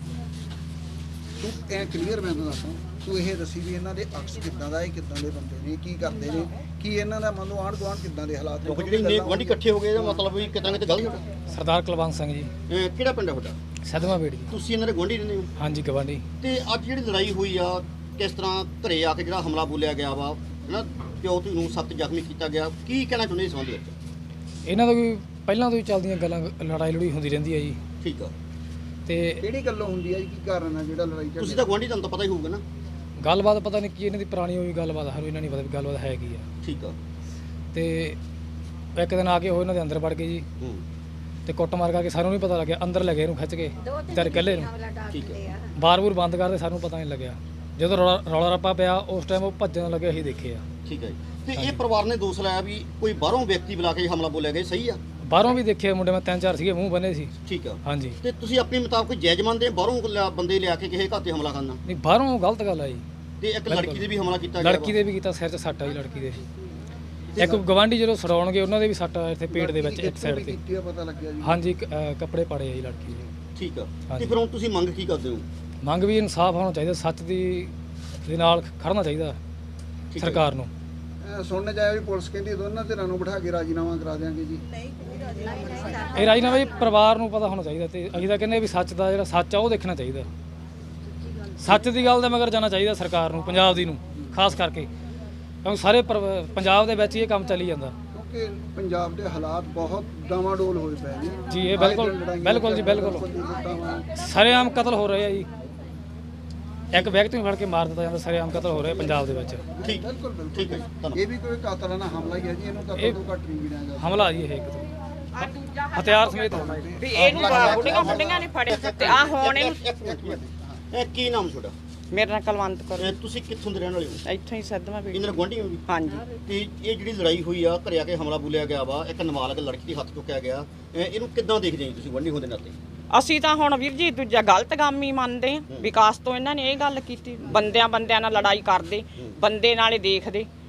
[SPEAKER 5] ਤੂੰ ਐ ਕਲੀਅਰ ਮੈਂ ਤੁਹਾਨੂੰ ਦੱਸਾਂ ਤੂੰ ਇਹ ਦੱਸੀ ਵੀ ਇਹਨਾਂ ਦੇ ਅਕਸ ਕਿੱਦਾਂ ਦਾ ਇਹ ਕਿੱਦਾਂ ਦੇ ਬੰਦੇ ਨੇ ਕੀ ਕਰਦੇ ਨੇ ਕੀ ਇਹਨਾਂ ਦਾ ਮੰਨ ਲਓ ਆਂਢ ਗੁਆਂਢ ਕਿੱਦਾਂ ਦੇ ਹਾਲਾਤ
[SPEAKER 1] ਲੋਕ ਜਿਹੜੇ ਨੇ ਗੁਆਂਢੀ ਇਕੱਠੇ ਹੋ ਗਏ ਇਹਦਾ ਮਤਲਬ ਵੀ ਕਿਤੇ ਨਾ ਕਿਤੇ ਗਲਤ ਹੋਣਾ।
[SPEAKER 9] ਸਰਦਾਰ ਕੁਲਵੰਤ ਸਿੰਘ ਜੀ
[SPEAKER 1] ਅਹ, ਕਿਹੜਾ ਪਿੰਡ ਹੈ ਤੁਹਾਡਾ?
[SPEAKER 9] ਸਦਮਾ ਬੇੜ ਜੀ
[SPEAKER 1] ਤੁਸੀਂ ਇਹਨਾਂ ਦੇ ਗੁਆਂਢੀ ਰਹਿੰਦੇ ਹੋ?
[SPEAKER 9] ਹਾਂਜੀ ਗਵਾਂਢੀ
[SPEAKER 1] ਤੇ ਅੱਜ ਜਿਹੜੀ ਲੜਾਈ ਹੋਈ ਆ ਕਿਸ ਤਰ੍ਹਾਂ ਘਰੇ ਆ ਕੇ ਜਿਹੜਾ ਹਮਲਾ ਬੋਲਿਆ ਗਿਆ ਵਾ ਹੈਨਾ ਪਿਓ ਧੀ ਨੂੰ ਸਖਤ ਜ਼ਖਮੀ ਕੀਤਾ ਗਿਆ ਕੀ ਕਹਿਣਾ ਚਾਹੁੰਦੇ ਇਸ ਸੰਬੰਧ ਵਿੱਚ?
[SPEAKER 9] ਇਹਨਾਂ ਦਾ ਕੋਈ ਪਹਿਲਾਂ ਤੋਂ ਹੀ ਚੱਲਦੀਆਂ ਗੱਲਾਂ ਲੜਾਈ ਲੜੂਈ ਹੁੰਦੀ ਰਹਿੰਦੀ ਹੈ ਜੀ
[SPEAKER 1] ਠੀਕ ਆ
[SPEAKER 9] ਤੇ
[SPEAKER 5] ਕਿਹੜੀ ਗੱਲੋਂ ਹੁੰਦੀ ਹੈ ਜੀ ਕੀ ਕਾਰਨ ਆ ਜਿਹੜਾ ਲੜਾਈ ਝਗੜਾ?
[SPEAKER 1] ਤੁਸੀਂ ਤਾਂ ਗੁਆਂਢੀ ਤੁਹਾਨੂੰ ਤਾਂ ਪਤਾ ਹੀ ਹੋਊਗਾ ਨਾ।
[SPEAKER 9] ਗੱਲਬਾਤ ਪਤਾ ਨਹੀਂ ਕੀ ਇਹਨਾਂ ਦੀ ਪੁਰਾਣੀ ਹੋਈ ਗੱਲਬਾਤ ਸਾਨੂੰ ਇਹਨਾਂ ਨਹੀਂ ਪਤਾ ਵੀ ਗੱਲਬਾਤ ਹੈ ਕੀ ਆ
[SPEAKER 1] ਠੀਕ ਆ
[SPEAKER 9] ਤੇ ਇੱਕ ਦਿਨ ਆ ਕੇ ਉਹ ਇਹਨਾਂ ਦੇ ਅੰਦਰ ਵੜ ਗਏ ਜੀ
[SPEAKER 1] ਹੂੰ
[SPEAKER 9] ਤੇ ਕੁੱਟ ਮਾਰ ਕਰਕੇ ਸਾਨੂੰ ਨਹੀਂ ਪਤਾ ਲੱਗਿਆ ਅੰਦਰ ਲੈ ਗਏ ਇਹਨੂੰ ਖਿੱਚ ਕੇ ਤੇ ਇਕੱਲੇ ਨੂੰ
[SPEAKER 1] ਠੀਕ ਆ
[SPEAKER 9] ਬਾਰ-ਬੂਰ ਬੰਦ ਕਰਦੇ ਸਾਨੂੰ ਪਤਾ ਨਹੀਂ ਲੱਗਿਆ ਜਦੋਂ ਰੌਲਾ ਰੌਲਾ ਰੱਪਾ ਪਿਆ ਉਸ ਟਾਈਮ ਉਹ ਭੱਜਣ ਲੱਗੇ ਅਸੀਂ ਦੇਖੇ ਆ
[SPEAKER 1] ਠੀਕ ਆ ਜੀ। ਤੇ ਇਹ ਪਰਿਵਾਰ ਨੇ ਦੋਸ਼ ਲਾਇਆ ਵੀ ਕੋਈ ਬਾਹਰੋਂ ਵਿਅਕਤੀ ਬੁਲਾ ਕੇ ਹਮਲਾ ਬੋਲਿਆ ਗਿਆ ਸਹੀ ਆ?
[SPEAKER 9] ਬਾਹਰੋਂ ਵੀ ਦੇਖੇ ਮੁੰਡੇ ਮੈਂ ਤਿੰਨ ਚਾਰ ਸੀਗੇ ਮੂੰਹ ਬੰਨੇ ਸੀ
[SPEAKER 1] ਠੀਕ ਆ
[SPEAKER 9] ਹਾਂਜੀ
[SPEAKER 1] ਤੇ ਤੁਸੀਂ ਆਪਣੀ ਮੁਤਾਬਕ ਜਾਇਜ਼ ਮੰਨਦੇ ਬਾਹਰੋਂ ਲਿਆ- ਬੰਦੇ ਲਿਆ ਕੇ ਕਿਸੇ ਘਰ ਤੇ ਹਮਲਾ ਕਰਨਾ
[SPEAKER 9] ਨਹੀਂ ਬਾਹਰੋਂ ਗਲਤ ਗੱਲ ਆ ਜੀ
[SPEAKER 1] ਤੇ ਇੱਕ ਲੜਕੀ ਦੇ ਵੀ ਹਮਲਾ ਕੀਤਾ ਗਿਆ
[SPEAKER 9] ਲੜਕੀ ਦੇ ਵੀ ਕੀਤਾ ਸਿਰ 'ਚ ਸੱਟ ਆ ਜੀ ਲੜਕੀ ਦੇ ਇੱਕ ਗਵਾਂਢੀ ਜਦੋਂ ਛਡਾਉਣਗੇ ਉਹਨਾਂ ਦੇ ਵੀ ਸੱਟ ਆ ਇੱਥੇ ਪੇਟ ਦੇ ਵਿੱਚ ਇੱਕ ਸਾਈਡ ਤੇ
[SPEAKER 5] ਕੀਤੀ ਆ ਪਤਾ ਲੱਗਿਆ ਜੀ
[SPEAKER 9] ਹਾਂਜੀ ਇੱਕ, ਅਹ, ਕੱਪੜੇ ਪਾੜੇ ਆ ਜੀ ਲੜਕੀ ਦੇ
[SPEAKER 1] ਠੀਕ ਆ ਤੇ
[SPEAKER 9] ਹਾਂਜੀ।
[SPEAKER 1] ਫਿਰ ਹੁਣ ਤੁਸੀਂ ਮੰਗ ਕੀ ਕਰਦੇ ਹੋ?
[SPEAKER 9] ਮੰਗ ਵੀ ਇਨਸਾਫ ਹੋਣਾ ਚਾਹੀਦਾ ਸੱਚ ਦੀ ਦੇ ਨਾਲ ਖੜਨਾ ਚਾਹੀਦਾ
[SPEAKER 1] ਠੀਕ ਹੈ।
[SPEAKER 9] ਸਰਕਾਰ ਨੂੰ
[SPEAKER 5] ਅਹ, ਸੁਣਨ ਚ ਆਇਆ ਵੀ ਪੁਲਿਸ ਕਹਿੰਦੀ ਦੋਨਾਂ ਧਿਰਾਂ ਨੂੰ ਬਿਠਾ ਕੇ ਰਾਜੀਨਾਮਾ ਕਰਾ ਦਿਆਂਗੇ ਜੀ
[SPEAKER 9] ਇਹ ਰਾਜੀਨਾਮਾ ਜੀ ਪਰਿਵਾਰ ਨੂੰ ਪਤਾ ਹੋਣਾ ਚਾਹੀਦਾ ਤੇ ਅਸੀਂ ਤਾਂ ਕਹਿੰਦੇ ਵੀ ਸੱਚ ਦਾ ਜਿਹੜਾ ਸੱਚ ਆ ਉਹ ਦੇਖਣਾ ਚਾਹੀਦਾ ਸੱਚ ਦੀ ਗੱਲ ਦਾ ਮਗਰ ਜਾਣਾ ਚਾਹੀਦਾ ਸਰਕਾਰ ਨੂੰ ਪੰਜਾਬ ਦੀ ਨੂੰ ਖਾਸ ਕਰਕੇ ਕਿਉਂਕਿ ਸਾਰੇ ਪਰ- ਪੰਜਾਬ ਦੇ ਵਿੱਚ ਹੀ ਇਹ ਕੰਮ ਚੱਲੀ ਜਾਂਦਾ
[SPEAKER 5] ਕਿਉਂਕਿ ਪੰਜਾਬ ਦੇ ਹਾਲਾਤ ਬਹੁਤ ਡਾਵਾਡੋਲ ਹੋਏ ਪਏ ਨੇ
[SPEAKER 9] ਜੀ ਇਹ ਬਿਲਕੁਲ ਬਿਲਕੁਲ ਜੀ ਬਿਲਕੁਲ ਸਰੇਆਮ ਕਤਲ ਹੋ ਰਹੇ ਆ ਜੀ ਇੱਕ ਵਿਅਕਤੀ ਨੂੰ ਫੜ ਕੇ ਮਾਰ ਦਿੱਤਾ ਜਾਂਦਾ ਸਰੇਆਮ ਕਤਲ ਹੋ ਰਿਹਾ ਪੰਜਾਬ ਦੇ ਵਿੱਚ
[SPEAKER 1] ਠੀਕ
[SPEAKER 5] ਬਿਲਕੁਲ ਬਿਲਕੁਲ
[SPEAKER 1] ਠੀਕ ਹੈ ਜੀ, ਧੰਨਵਾਦ।
[SPEAKER 5] ਇਹ ਵੀ ਕੋਈ ਕਾਤਲਾਨਾ ਹਮਲਾ ਹੀ ਹੈ ਜੀ ਇਹਨੂੰ ਕਤਲ
[SPEAKER 9] ਇਹ-
[SPEAKER 5] ਤੋਂ ਘੱਟ ਨਹੀਂ ਗਿਣਿਆ ਜਾਂਦਾ
[SPEAKER 9] ਹਮਲਾ ਜੀ ਇਹ ਇੱਕ ਤੋਂ ਹਥਿਆਰ ਸਮੇਤ
[SPEAKER 4] ਵੀ ਇਹਨੂੰ ਬੁੱਢੀਆਂ ਬੁੱਢੀਆਂ ਨੇ ਫੜੇ ਤੇ ਆ ਹੁਣ ਇਹਨੂੰ
[SPEAKER 1] ਇੱਕ ਮਿੰਟ, ਇੱਕ ਮਿੰਟ। ਇਹ ਕੀ ਨਾਮ ਤੁਹਾਡਾ?
[SPEAKER 4] ਮੇਰੇ ਨਾਲ ਕਲਵੰਤ ਕਰੋ
[SPEAKER 1] ਇਹ ਤੁਸੀਂ ਕਿੱਥੋਂ ਦੇ ਰਹਿਣ ਵਾਲੇ ਹੋ?
[SPEAKER 4] ਇੱਥੋਂ ਹੀ ਸਦਮਾ ਵੀ
[SPEAKER 1] ਇਹਨਾਂ ਦੇ ਗੁਆਂਢੀ ਹੋ ਜੀ?
[SPEAKER 4] ਹਾਂਜੀ
[SPEAKER 1] ਤੇ ਇਹ ਜਿਹੜੀ ਲੜਾਈ ਹੋਈ ਆ ਘਰੇ ਆ ਕੇ ਹਮਲਾ ਬੋਲਿਆ ਗਿਆ ਵਾ ਇੱਕ ਨਾਬਾਲਗ ਲੜਕੀ ਦੇ ਹੱਥ ਚੁੱਕਿਆ ਗਿਆ ਇਹ- ਇਹਨੂੰ ਕਿੱਦਾਂ ਦੇਖਦੇ ਹੋ ਤੁਸੀਂ ਗੁਆਂਢੀ ਹੋਣ ਦੇ ਨਾਤੇ?
[SPEAKER 4] ਅਸੀਂ ਤਾਂ ਹੁਣ ਵੀਰ ਜੀ ਦੂਜਾ ਗਲਤ ਕੰਮ ਹੀ ਮੰਨਦੇ ਹਾਂ ਵਿਕਾਸ ਤੋਂ ਇਹਨਾਂ ਨੇ ਇਹ ਗੱਲ ਕੀਤੀ ਬੰਦਿਆਂ ਬੰਦਿਆਂ ਨਾਲ ਲੜਾਈ ਕਰਦੇ ਬੰਦੇ ਨਾਲੇ ਦੇਖਦੇ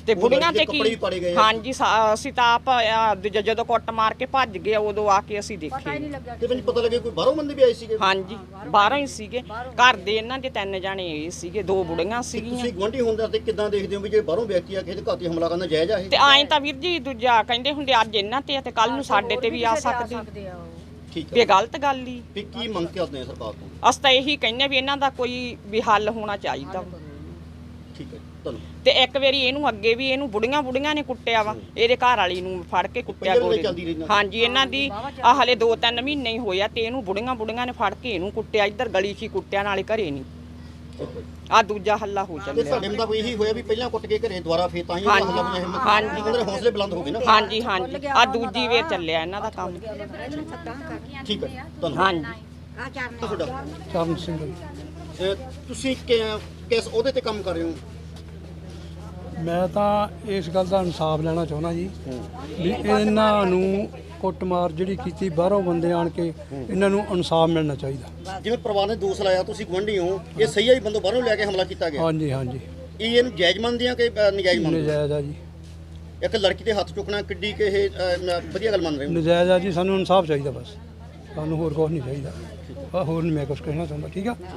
[SPEAKER 10] ਤੇ
[SPEAKER 1] ਉਹ
[SPEAKER 10] ਬੁੜੀਆਂ
[SPEAKER 1] ਲੜਕੀ ਦੇ
[SPEAKER 10] ਤੇ ਕੀ
[SPEAKER 1] ਕੱਪੜੇ ਵੀ ਪਾੜੇ ਗਏ ਆ।
[SPEAKER 10] ਹਾਂਜੀ ਸਾ- ਅਸੀਂ ਤਾਂ ਆਪ ਆ, ਜ- ਜਦੋਂ ਕੁੱਟ ਮਾਰ ਕੇ ਭੱਜ ਗਏ ਉਦੋਂ ਆ ਕੇ ਅਸੀਂ ਦੇਖੇ
[SPEAKER 1] ਤੇ ਮੈਨੂੰ ਪਤਾ ਲੱਗੇ ਕੋਈ ਬਾਹਰੋਂ ਬੰਦੇ ਵੀ ਆਏ ਸੀਗੇ।
[SPEAKER 10] ਹਾਂਜੀ ਬਾਹਰੋਂ ਹੀ ਸੀਗੇ ਘਰ ਦੇ ਇਹਨਾਂ ਦੇ ਤਿੰਨ ਜਾਣੇ ਇਹ ਸੀਗੇ ਦੋ ਬੁੜੀਆਂ ਸੀਗੀਆਂ
[SPEAKER 1] ਤੁਸੀਂ ਗੁਆਂਢੀ ਹੁੰਦਾ ਤੇ ਕਿੱਦਾਂ ਦੇਖਦੇ ਹੋ ਵੀ ਜੇ ਬਾਹਰੋਂ ਵਿਅਕਤੀ ਆ ਕਿਸੇ ਦੇ ਘਰ ਤੇ ਹਮਲਾ ਕਰਨਾ ਜਾਇਜ਼ ਆ ਇਹ?
[SPEAKER 10] ਤੇ ਐਂ ਤਾਂ ਵੀਰ ਜੀ ਦੂਜਾ ਕਹਿੰਦੇ ਹੁੰਦੇ ਅੱਜ ਇਹਨਾਂ ਤੇ ਆ ਤੇ ਕੱਲ ਨੂੰ ਸਾਡੇ ਤੇ ਵੀ ਆ ਸਕਦੇ
[SPEAKER 1] ਠੀਕ
[SPEAKER 10] ਵੀ
[SPEAKER 1] ਹੈ
[SPEAKER 10] ਇਹ ਗਲਤ ਗੱਲ ਹੀ
[SPEAKER 1] ਵੀ ਕੀ ਮੰਗ ਕਰਦੇ ਆ ਸਰਕਾਰ ਤੋਂ?
[SPEAKER 10] ਅਸੀਂ ਤਾਂ ਇਹੀ ਕਹਿੰਦੇ ਵੀ ਇਹਨਾਂ ਦਾ ਕੋਈ ਵੀ ਹੱਲ ਹੋਣਾ ਚਾਹੀਦਾ
[SPEAKER 1] ਠੀਕ ਹੈ ਤੁਹਾਨੂੰ
[SPEAKER 10] ਤੇ ਇੱਕ ਵਾਰੀ ਇਹਨੂੰ ਅੱਗੇ ਵੀ ਇਹਨੂੰ ਬੁੜੀਆਂ ਬੁੜੀਆਂ ਨੇ ਕੁੱਟਿਆ ਵਾ ਇਹਦੇ ਘਰ ਵਾਲੀ ਨੂੰ ਫੜ ਕੇ ਕੁੱਟਿਆ
[SPEAKER 1] ਪਹਿਲਾਂ ਵੀ
[SPEAKER 10] ਗੋਲੀ
[SPEAKER 1] ਚੱਲਦੀ ਰਹੀ ਨਾ।
[SPEAKER 10] ਹਾਂਜੀ ਇਹਨਾਂ ਦੀ ਆ ਹਲੇ ਦੋ ਤਿੰਨ ਮਹੀਨੇ ਹੀ ਹੋਇਆ ਤੇ ਇਹਨੂੰ ਬੁੜੀਆਂ ਬੁੜੀਆਂ ਨੇ ਫੜ ਕੇ ਇਹਨੂੰ ਕੁੱਟਿਆ ਇੱਧਰ ਗਲੀ 'ਚ ਹੀ ਕੁੱਟਿਆ ਨਾਲੇ ਘਰੇ ਨਹੀਂ ਆ ਦੂਜਾ ਹੱਲਾ ਹੋ
[SPEAKER 1] ਤੇ
[SPEAKER 10] ਚੱਲਿਆ
[SPEAKER 1] ਸਾਡੇ ਮੁਤਾਬਕ ਇਹੀ ਹੋਇਆ ਵੀ ਪਹਿਲਾਂ ਕੁੱਟ ਕੇ ਘਰੇ ਦੁਬਾਰਾ ਫੇਰ ਤਾਂ ਹੀ
[SPEAKER 10] ਹਾਂਜੀ,
[SPEAKER 1] ਹਮਲਾ ਹੋਇਆ ਹਿੰਮਤ
[SPEAKER 10] ਹਾਂਜੀ।
[SPEAKER 1] ਉਹਨਾਂ ਦੇ ਹੌਸਲੇ ਬੁਲੰਦ ਹੋ ਗਏ ਨਾ।
[SPEAKER 10] ਹਾਂਜੀ ਹਾਂਜੀ ਆ ਦੂਜੀ ਵੇਰ ਚੱਲਿਆ ਇਹਨਾਂ ਦਾ ਕੰਮ
[SPEAKER 1] ਠੀਕ ਹੈ ਤੁਹਾਨੂੰ
[SPEAKER 10] ਹਾਂਜੀ
[SPEAKER 1] ਤੁਹਾਡਾ
[SPEAKER 3] ਚਰਨ ਸਿੰਘ
[SPEAKER 1] ਅਹ ਤੁਸੀਂ ਕਿ- ਕਿਸ ਉਹਦੇ ਤੇ ਕੰਮ ਕਰ ਰਹੇ ਹੋ?
[SPEAKER 11] ਮੈਂ ਤਾਂ ਇਸ ਗੱਲ ਦਾ ਇਨਸਾਫ ਲੈਣਾ ਚਾਹੁੰਦਾ ਜੀ ਵੀ ਇਹਨਾਂ ਨੂੰ ਕੁੱਟਮਾਰ ਜਿਹੜੀ ਕੀਤੀ ਬਾਹਰੋਂ ਬੰਦੇ ਆਣ ਕੇ ਇਹਨਾਂ ਨੂੰ ਇਨਸਾਫ ਮਿਲਣਾ ਚਾਹੀਦਾ।
[SPEAKER 1] ਜਿਵੇਂ ਪਰਿਵਾਰ ਨੇ ਦੋਸ਼ ਲਾਇਆ ਤੁਸੀਂ ਗੁਆਂਢੀ ਹੋ, ਇਹ ਸਹੀ ਹੈ ਵੀ ਬੰਦੋਂ ਬਾਹਰੋਂ ਲੈ ਕੇ ਹਮਲਾ ਕੀਤਾ ਗਿਆ?
[SPEAKER 11] ਹਾਂਜੀ ਹਾਂਜੀ
[SPEAKER 1] ਇਹ ਇਹਨੂੰ ਜਾਇਜ਼ ਮੰਨਦੇ ਆ ਕਿ ਅਹ, ਨਜਾਇਜ਼ ਮੰਨਦੇ ਹੋ?
[SPEAKER 11] ਨਜਾਇਜ਼ ਆ ਜੀ,
[SPEAKER 1] ਇੱਕ ਲੜਕੀ ਦੇ ਹੱਥ ਚੁੱਕਣਾ ਕਿੱਡੀ ਕਿ ਇਹ ਅਹ, ਵਧੀਆ ਗੱਲ ਮੰਨ ਰਹੇ ਹੋ?
[SPEAKER 11] ਨਜਾਇਜ਼ ਆ ਜੀ। ਸਾਨੂੰ ਇਨਸਾਫ ਚਾਹੀਦਾ ਬਸ, ਸਾਨੂੰ ਹੋਰ ਕੁਝ ਨਹੀਂ ਚਾਹੀਦਾ। ਆਹ ਹੋਰ ਨਹੀਂ ਮੈਂ ਕੁਝ ਕਹਿਣਾ ਚਾਹੁੰਦਾ। ਠੀਕ ਆ।